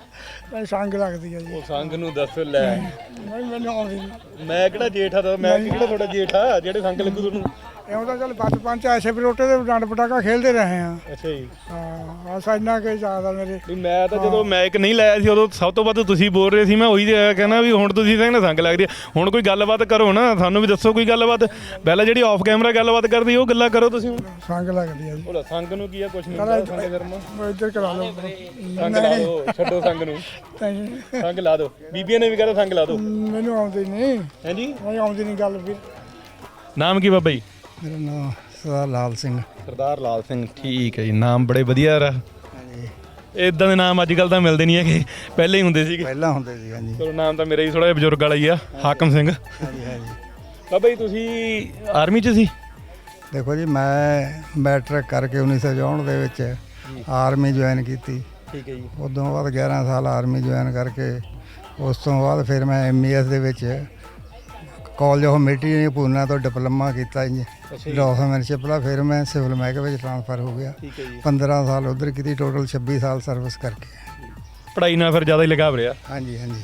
[SPEAKER 9] ਭਾਈ ਸੰਗ ਲੱਗਦੀ ਆ ਜੀ
[SPEAKER 1] ਉਹ ਸੰਗ ਨੂੰ ਦੱਸ ਲੈ
[SPEAKER 9] ਨਹੀਂ ਮੈਨੂੰ ਆਉਂਦੀ ਨਹੀਂ
[SPEAKER 1] ਮੈਂ ਕਿਹੜਾ ਜੇਠ ਆ ਤਾਂ ਮੈਂ ਕਿਹੜਾ ਤੁਹਾਡਾ ਜੇਠ ਆ ਜਿਹੜੇ ਸੰਗ ਲੱਗੂ ਤੁਹਾਨੂੰ
[SPEAKER 9] ਇਉਂ ਤਾਂ ਚੱਲ ਬਚਪਨ ਚ ਐਸੇ ਬਰੋਟੇ ਦੇ ਡੰਡ ਪਟਾਕਾ ਖੇਡਦੇ ਰਹੇ ਆ
[SPEAKER 1] ਅੱਛਾ ਜੀ
[SPEAKER 9] ਹਾਂ ਬਸ ਇੰਨਾ ਕਿ ਯਾਦ ਆ ਮੇਰੇ
[SPEAKER 1] ਨਹੀਂ ਮੈਂ ਤਾਂ ਜਦੋਂ ਮੈਕ ਨਹੀਂ ਲਾਇਆ ਸੀ ਉਦੋਂ ਸਭ ਤੋਂ ਵੱਧ ਤੁਸੀਂ ਬੋਲ ਰਹੇ ਸੀ ਮੈਂ ਉਹੀ ਕਹਿੰਦਾ ਵੀ ਹੁਣ ਤੁਸੀਂ ਕਹਿੰਦੇ ਸੰਗ ਲੱਗਦੀ ਆ ਹੁਣ ਕੋਈ ਗੱਲਬਾਤ ਕਰੋ ਨਾ ਸਾਨੂੰ ਵੀ ਦੱਸੋ ਕੋਈ ਗੱਲਬਾਤ ਪਹਿਲਾਂ ਜਿਹੜੀ ਆਫ ਕੈਮਰਾ ਗੱਲਬਾਤ ਕਰਦੀ ਉਹ ਗੱਲਾਂ ਕਰੋ ਤੁਸੀਂ ਹੁਣ
[SPEAKER 9] ਸੰਗ ਲੱਗਦੀ ਆ ਜੀ
[SPEAKER 1] ਉਹ ਸੰਗ ਨੂੰ ਕੀ ਆ ਕੁਛ ਨਹੀਂ ਹੁੰਦਾ ਸੰਗ ਕਰਨਾ
[SPEAKER 9] ਮੈਂ ਇੱਧਰ ਕਰਾ ਲਓ
[SPEAKER 1] ਸੰਗ ਲਾ ਦਿਓ ਛੱਡੋ ਸੰਗ ਨੂੰ ਸੰਗ ਲਾ ਦਿਓ ਬੀਬੀਆਂ ਨੇ ਵੀ ਕਹਿੰਦਾ ਸੰਗ ਲਾ ਦਿਓ
[SPEAKER 9] ਮੈਨੂੰ ਆਉਂਦੀ ਨਹੀਂ
[SPEAKER 1] ਹਾਂਜੀ
[SPEAKER 9] ਨਹੀਂ ਆਉਂਦੀ ਨਹੀਂ ਗੱਲ ਵੀ
[SPEAKER 1] ਨਾਮ ਕੀ ਬਾਬਾ ਜੀ
[SPEAKER 9] ਮੇਰਾ ਨਾਮ ਸਰਦਾਰ ਲਾਲ ਸਿੰਘ
[SPEAKER 1] ਸਰਦਾਰ ਲਾਲ ਸਿੰਘ ਠੀਕ ਹੈ ਜੀ ਨਾਮ ਬੜੇ ਵਧੀਆ ਰ ਇਦਾਂ ਦੇ ਨਾਮ ਅੱਜ ਕੱਲ ਤਾਂ ਮਿਲਦੇ ਨਹੀਂ ਹੈਗੇ ਪਹਿਲੇ ਹੀ ਹੁੰਦੇ ਸੀਗੇ
[SPEAKER 9] ਪਹਿਲਾਂ ਹੁੰਦੇ ਸੀ ਹਾਂਜੀ
[SPEAKER 1] ਚਲੋ ਨਾਮ ਤਾਂ ਮੇਰਾ ਹੀ ਥੋੜਾ ਜਿਹਾ ਬਜ਼ੁਰਗ ਵਾਲਾ ਹੀ ਆ ਹਾਕਮ ਸਿੰਘ
[SPEAKER 9] ਹਾਂਜੀ ਹਾਂਜੀ
[SPEAKER 1] ਬਾਬਾ ਜੀ ਤੁਸੀਂ ਆਰਮੀ 'ਚ ਸੀ
[SPEAKER 9] ਦੇਖੋ ਜੀ ਮੈਂ ਮੈਟ੍ਰਿਕ ਕਰਕੇ ਉੱਨੀ ਸੌ ਚੌਂਹਠ ਦੇ ਵਿੱਚ ਆਰਮੀ ਜੁਆਇਨ ਕੀਤੀ
[SPEAKER 1] ਠੀਕ ਹੈ ਜੀ
[SPEAKER 9] ਉਦੋਂ ਬਾਅਦ ਗਿਆਰਾਂ ਸਾਲ ਆਰਮੀ ਜੁਆਇਨ ਕਰਕੇ ਉਸ ਤੋਂ ਬਾਅਦ ਫਿਰ ਮੈਂ ਐਮ ਈ ਐਸ ਦੇ ਵਿੱਚ ਕਾਲਜ ਆਫ ਮਿਲਟਰੀ ਪੂਨਾ ਤੋਂ ਡਿਪਲੋਮਾ ਕੀਤਾ ਜੀ ਡਾਕੂਮੈਂਟਸ਼ਿਪ ਦਾ ਫਿਰ ਮੈਂ ਸਿਵਲ ਮਹਿਕਮੇ ਵਿੱਚ ਟ੍ਰਾਂਸਫਰ ਹੋ ਗਿਆ
[SPEAKER 1] ਠੀਕ ਹੈ ਜੀ
[SPEAKER 9] ਪੰਦਰਾਂ ਸਾਲ ਉਧਰ ਕੀਤੀ ਟੋਟਲ ਛੱਬੀ ਸਾਲ ਸਰਵਿਸ ਕਰਕੇ
[SPEAKER 1] ਪੜ੍ਹਾਈ ਨਾਲ ਫਿਰ ਜ਼ਿਆਦਾ ਹੀ ਲਗਾਵ ਰਿਹਾ
[SPEAKER 9] ਹਾਂਜੀ ਹਾਂਜੀ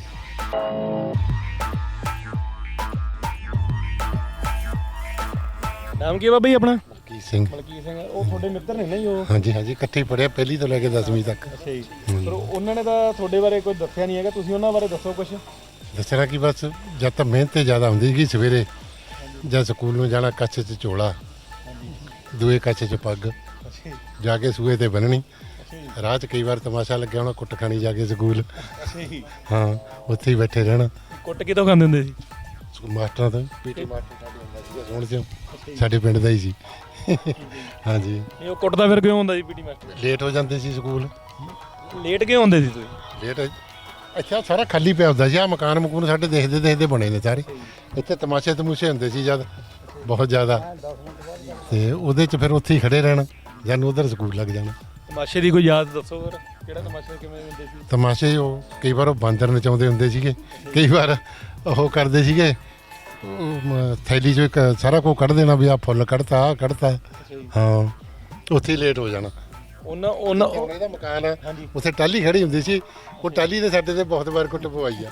[SPEAKER 1] ਨਾਮ ਕੀ ਹੈ ਬਾਬਾ ਜੀ ਆਪਣਾ
[SPEAKER 10] ਮਲਕੀਤ ਸਿੰਘ
[SPEAKER 1] ਮਲਕੀਤ ਸਿੰਘ ਉਹ ਤੁਹਾਡੇ ਮਿੱਤਰ ਨੇ ਨਾ ਜੀ ਉਹ
[SPEAKER 10] ਹਾਂਜੀ ਹਾਂਜੀ ਇਕੱਠੇ ਹੀ ਪੜ੍ਹਿਆ ਪਹਿਲੀ ਤੋਂ ਲੈ ਕੇ ਦਸਵੀਂ ਤੱਕ
[SPEAKER 1] ਅੱਛਾ ਜੀ ਪਰ ਉਹਨਾਂ ਨੇ ਤਾਂ ਤੁਹਾਡੇ ਬਾਰੇ ਕੋਈ ਦੱਸਿਆ ਨਹੀਂ ਹੈਗਾ ਤੁਸੀਂ ਉਹਨਾਂ ਬਾਰੇ ਦੱਸੋ ਕੁਝ
[SPEAKER 10] ਦੱਸਣਾ ਕਿ ਬਸ ਜਦ ਤਾਂ ਮਿਹਨਤ ਤੇ ਜ਼ਿਆਦਾ ਹੁੰਦੀ ਸੀਗੀ ਸਵੇਰੇ ਜਦ ਸਕੂਲ ਨੂੰ ਜਾਣਾ ਕੱਛ 'ਚ ਝੋਲਾ ਦੂਏ ਕੱਛ 'ਚ ਪੱਗ ਜਾ ਕੇ ਸੂਏ ਤੇ ਬੰਨਣੀ ਰਾਹ 'ਚ ਕਈ ਵਾਰ ਤਮਾਸ਼ਾ ਲੱਗਿਆ ਹੋਣਾ ਕੁੱਟ ਖਾਣੀ ਜਾ ਕੇ ਸਕੂਲ ਹਾਂ ਉੱਥੇ ਹੀ ਬੈਠੇ ਰਹਿਣਾ
[SPEAKER 1] ਕੁੱਟ ਕਿਤੋਂ ਖਾਂਦੇ ਹੁੰਦੇ ਸੀ
[SPEAKER 10] ਮਾਸਟਰਾਂ ਤੋਂ ਪੀਟੀ ਮਾਸਟਰ ਸਾਡੇ ਹੁੰਦਾ ਸੀਗਾ ਸੋਹਣ ਸਿੰਘ ਸਾਡੇ ਪਿੰਡ ਦਾ ਹੀ ਸੀ ਹਾਂਜੀ
[SPEAKER 1] ਇਹ ਉਹ ਕੁੱਟਦਾ ਫਿਰ ਕਿਉਂ ਹੁੰਦਾ ਸੀ ਪੀਟੀ ਮਾਸਟਰ
[SPEAKER 10] ਲੇਟ ਹੋ ਜਾਂਦੇ ਸੀ ਸਕੂਲ
[SPEAKER 1] ਲੇਟ ਕਿਉਂ ਹੁੰਦੇ ਸੀ ਤੁਸੀਂ
[SPEAKER 10] ਲੇਟ ਅੱਛਾ ਸਾਰਾ ਖਾਲੀ ਪਿਆ ਹੁੰਦਾ ਸੀ ਆ ਮਕਾਨ ਮਕੂਨ ਸਾਡੇ ਦੇਖਦੇ ਦੇਖਦੇ ਬਣੇ ਨੇ ਸਾਰੇ ਇੱਥੇ ਤਮਾਸ਼ੇ ਤਮੂਸ਼ੇ ਹੁੰਦੇ ਸੀ ਜਦ ਬਹੁਤ ਜ਼ਿਆਦਾ ਤੇ ਉਹਦੇ 'ਚ ਫਿਰ ਉੱਥੇ ਹੀ ਖੜੇ ਰਹਿਣਾ ਜਾਨੂੰ ਉਧਰ ਸਕੂਲ ਲੱਗ ਜਾਣਾ
[SPEAKER 1] ਤਮਾਸ਼ੇ ਦੀ ਕੋਈ ਯਾਦ ਦੱਸੋ ਫਿਰ ਕਿਹੜਾ ਤਮਾਸ਼ਾ ਕਿਵੇਂ ਹੁੰਦੇ ਸੀ
[SPEAKER 10] ਤਮਾਸ਼ੇ ਉਹ ਕਈ ਵਾਰ ਉਹ ਬਾਂਦਰ ਨਚਾਉਂਦੇ ਹੁੰਦੇ ਸੀਗੇ ਕਈ ਵਾਰ ਉਹ ਕਰਦੇ ਸੀਗੇ ਉਹ ਮ- ਥੈਲੀ 'ਚੋਂ ਇੱਕ ਸਾਰਾ ਕੁਝ ਕੱਢ ਦੇਣਾ ਵੀ ਆ ਫੁੱਲ ਕੱਢਤਾ ਆ ਕੱਢਤਾ ਹਾਂ ਉੱਥੇ ਹੀ ਲੇਟ ਹੋ ਜਾਣਾ
[SPEAKER 1] ਉਹਨਾਂ ਉਹਨਾਂ
[SPEAKER 10] ਉਹਨੇ ਦਾ ਮਕਾਨ ਆ ਉੱਥੇ ਟਾਲੀ ਖੜੀ ਹੁੰਦੀ ਸੀ ਉਹ ਟਾਲੀ ਨੇ ਸਾਡੇ ਤੇ ਬਹੁਤ ਵਾਰ ਕੁੱਟ ਪਵਾਈ ਆ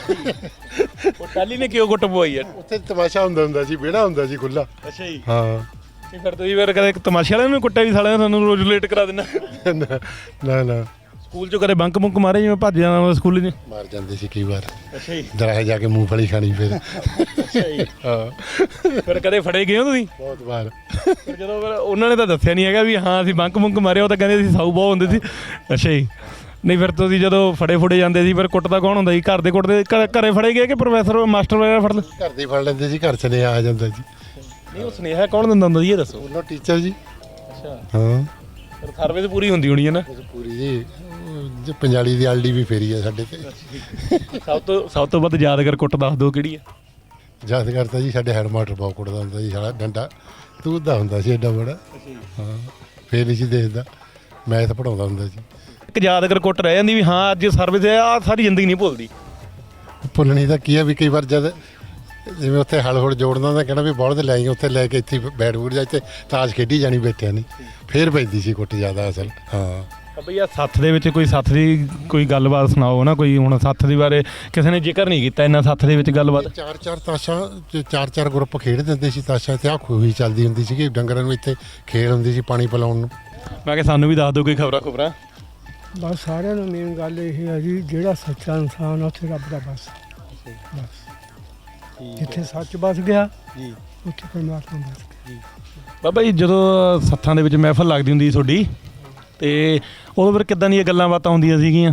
[SPEAKER 1] ਉਹ ਟਾਲੀ ਨੇ ਕਿਉਂ ਕੁੱਟ ਪਵਾਈ ਆ
[SPEAKER 10] ਉੱਥੇ ਤਮਾਸ਼ਾ ਹੁੰਦਾ ਹੁੰਦਾ ਸੀ ਵਿਹੜਾ ਹੁੰਦਾ ਸੀ ਖੁੱਲਾ
[SPEAKER 1] ਅੱਛਾ ਜੀ
[SPEAKER 10] ਹਾਂ
[SPEAKER 1] ਤੇ ਫਿਰ ਤੁਸੀਂ ਫਿਰ ਕਦੇ ਤਮਾਸ਼ੇ ਵਾਲਿਆਂ ਨੂੰ ਕੁੱਟਿਆ ਵੀ ਸਾਲਿਆਂ ਨੇ ਸਾਨੂੰ ਰੋਜ਼ ਲੇਟ ਕਰਾ ਦੇਣਾ
[SPEAKER 10] ਨਾ ਨਾ ਨਾ
[SPEAKER 1] ਸਕੂਲ ਚੋਂ ਕਦੇ ਬੰਕ ਮੁੰਕ ਮਾਰੇ ਜਿਵੇਂ ਭੱਜ ਜਾਣਾ ਸਕੂਲ ਨੇ
[SPEAKER 10] ਮਾਰ ਜਾਂਦੇ ਸੀ ਕਈ ਵਾਰ
[SPEAKER 1] ਅੱਛਾ ਜੀ
[SPEAKER 10] ਦਰਾਹੇ ਜਾ ਕੇ ਮੂੰਗਫਲੀ ਖਾਣੀ ਫਿਰ
[SPEAKER 1] ਅੱਛਾ ਜੀ
[SPEAKER 10] ਹਾਂ
[SPEAKER 1] ਫਿਰ ਕਦੇ ਫੜੇ ਗਏ ਹੋ ਤੁਸੀਂ
[SPEAKER 10] ਬਹੁਤ ਵਾਰ
[SPEAKER 1] ਫਿਰ ਜਦੋਂ ਫਿਰ ਉਹਨਾਂ ਨੇ ਤਾਂ ਦੱਸਿਆ ਨਹੀਂ ਹੈਗਾ ਵੀ ਹਾਂ ਅਸੀਂ ਬੰਕ ਮੁੰਕ ਮਾਰੇ ਉਹ ਤਾਂ ਕਹਿੰਦੇ ਸੀ ਸਾਊ ਬਹੁਤ ਹੁੰਦੇ ਸੀ ਅੱਛਾ ਜੀ ਨਹੀਂ ਫਿਰ ਤੁਸੀਂ ਜਦੋਂ ਫੜੇ ਫੁੜੇ ਜਾਂਦੇ ਸੀ ਫਿਰ ਕੁੱਟਦਾ ਕੌਣ ਹੁੰਦਾ ਸੀ ਘਰ ਦੇ ਕੁੱਟਦੇ ਘਰ- ਘਰੇ ਫੜੇ ਗਏ ਕਿ ਪ੍ਰੋਫੈਸਰ ਮਾਸਟਰ ਵਗੈਰਾ ਫੜ ਲੈ
[SPEAKER 10] ਘਰ ਦੇ ਫੜ ਲੈਂਦੇ ਸੀ ਘਰ ਚਲੇ ਆ ਜਾਂਦਾ ਜੀ
[SPEAKER 1] ਨਹੀਂ ਉਹ ਸੁਨੇਹਾ ਕੌਣ ਦਿੰਦਾ ਹੁੰਦਾ ਜੀ ਇਹ ਦੱਸੋ
[SPEAKER 10] ਉਹਨਾਂ ਟੀਚਰ ਜੀ
[SPEAKER 1] ਅੱਛਾ
[SPEAKER 10] ਹਾਂ
[SPEAKER 1] ਫਿਰ ਸਰਵਿਸ ਪੂਰੀ ਹੁੰਦੀ ਹੋਣੀ ਹੈ ਨਾ
[SPEAKER 10] ਪੂਰੀ ਜੀ ਉਹ ਜੀ ਪੰਜਾਲੀ ਦੀ ਆਲਡੀ ਵੀ ਫੇਰੀ ਆ ਸਾਡੇ ਤੇ
[SPEAKER 1] ਸਭ ਤੋਂ ਸਭ ਤੋਂ ਵੱਧ ਯਾਦਗਾਰ ਕੁੱਟ ਦੱਸ ਦਿਓ ਕਿਹੜੀ ਹੈ
[SPEAKER 10] ਯਾਦ ਕਰਤਾ ਜੀ ਸਾਡੇ ਹੈਡ ਮਾਸਟਰ ਬਹੁਤ ਕੁੱਟਦਾ ਹੁੰਦਾ ਸੀ ਸਾਲਾ ਡੰਡਾ ਤੂੰ ਦਾ ਹੁੰਦਾ ਸੀ ਏਡਾ ਬੜਾ ਹਾਂ ਫੇਰ ਨਹੀਂ ਸੀ ਦੇਖਦਾ ਮੈਥ ਪੜਾਉਂਦਾ ਹੁੰਦਾ ਸੀ
[SPEAKER 1] ਇੱਕ ਯਾਦਗਾਰ ਕੁੱਟ ਰਹਿ ਜਾਂਦੀ ਵੀ ਹਾਂ ਅੱਜ ਸਰਵਿਸ ਹੈ ਆ ਸਾਰੀ ਜ਼ਿੰਦਗੀ ਨਹੀਂ ਭੁੱਲਦੀ
[SPEAKER 10] ਭੁੱਲਣੀ ਤਾਂ ਕੀ ਆ ਵੀ ਕਈ ਵਾਰ ਜਦ ਜਿਵੇਂ ਉੱਥੇ ਹਲ ਹੁਲ ਜੋੜਦਾ ਤਾਂ ਕਹਿਣਾ ਵੀ ਬੋਲ ਤੇ ਲੈ ਆਈ ਉੱਥੇ ਲੈ ਕੇ ਇੱਥੇ ਬੈਟ ਬੂਟ ਜਾ ਇੱਥੇ ਤਾਸ਼ ਖੇਡੀ ਜਾਣੀ ਬੈਠਿਆ ਨਹੀਂ ਫੇਰ ਪੈਂਦੀ ਸੀ ਕੁੱਟ ਜ਼ਿਆਦਾ ਅਸਲ ਹਾਂ
[SPEAKER 1] ਬਈ ਆ ਸੱਥ ਦੇ ਵਿੱਚ ਕੋਈ ਸੱਥ ਦੀ ਕੋਈ ਗੱਲਬਾਤ ਸੁਣਾਓ ਨਾ ਕੋਈ ਹੁਣ ਸੱਥ ਦੇ ਬਾਰੇ ਕਿਸੇ ਨੇ ਜ਼ਿਕਰ ਨਹੀਂ ਕੀਤਾ ਇੰਨਾ ਸੱਥ ਦੇ ਵਿੱਚ ਗੱਲਬਾਤ
[SPEAKER 10] ਚਾਰ ਚਾਰ ਤਾਸ਼ਾਂ ਚ ਚਾਰ ਚਾਰ ਗਰੁੱਪ ਖੇਡ ਦਿੰਦੇ ਸੀ ਤਾਸ਼ਾਂ ਤੇ ਆ ਖੂਹੀ ਚੱਲਦੀ ਹੁੰਦੀ ਸੀ ਕਿ ਡੰਗਰਾਂ ਨੂੰ ਇੱਥੇ ਖੇਡ ਹੁੰਦੀ ਸੀ ਪਾਣੀ ਪਿਲਾਉਣ ਨੂੰ
[SPEAKER 1] ਮੈਂ ਕਿਹਾ ਸਾਨੂੰ ਵੀ ਦੱਸ ਦਿਓ ਕੋਈ ਖਬਰਾਂ ਖਬਰਾਂ
[SPEAKER 4] ਬਸ ਸਾਰਿਆਂ ਨੂੰ ਮੇਨ ਗੱਲ ਇਹ ਹੈ ਜੀ ਜਿਹੜਾ ਸੱਚਾ ਇਨਸਾਨ ਆ ਉੱਥੇ ਰੱਬ ਦਾ ਬਸ ਬਸ ਜਿੱਥੇ ਸੱਚ ਬਸ ਗਿਆ
[SPEAKER 1] ਜੀ
[SPEAKER 4] ਉੱਥੇ ਪਰਮਾਤਮਾ ਬਸ ਗਿਆ
[SPEAKER 1] ਬਾਬਾ ਜੀ ਜਦੋਂ ਸੱਥਾਂ ਦੇ ਵਿੱਚ ਮਹਿਫਲ ਲੱਗਦੀ ਹੁੰਦੀ ਸੀ ਤੁਹਾਡੀ ਤੇ ਉਦੋਂ ਫਿਰ ਕਿੱਦਾਂ ਦੀਆਂ ਗੱਲਾਂ ਬਾਤਾਂ ਹੁੰਦੀਆਂ ਸੀਗੀਆਂ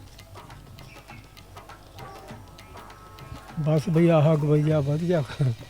[SPEAKER 4] ਬਸ ਬਈ ਆਹ ਗਵਈਆ ਵਧੀਆ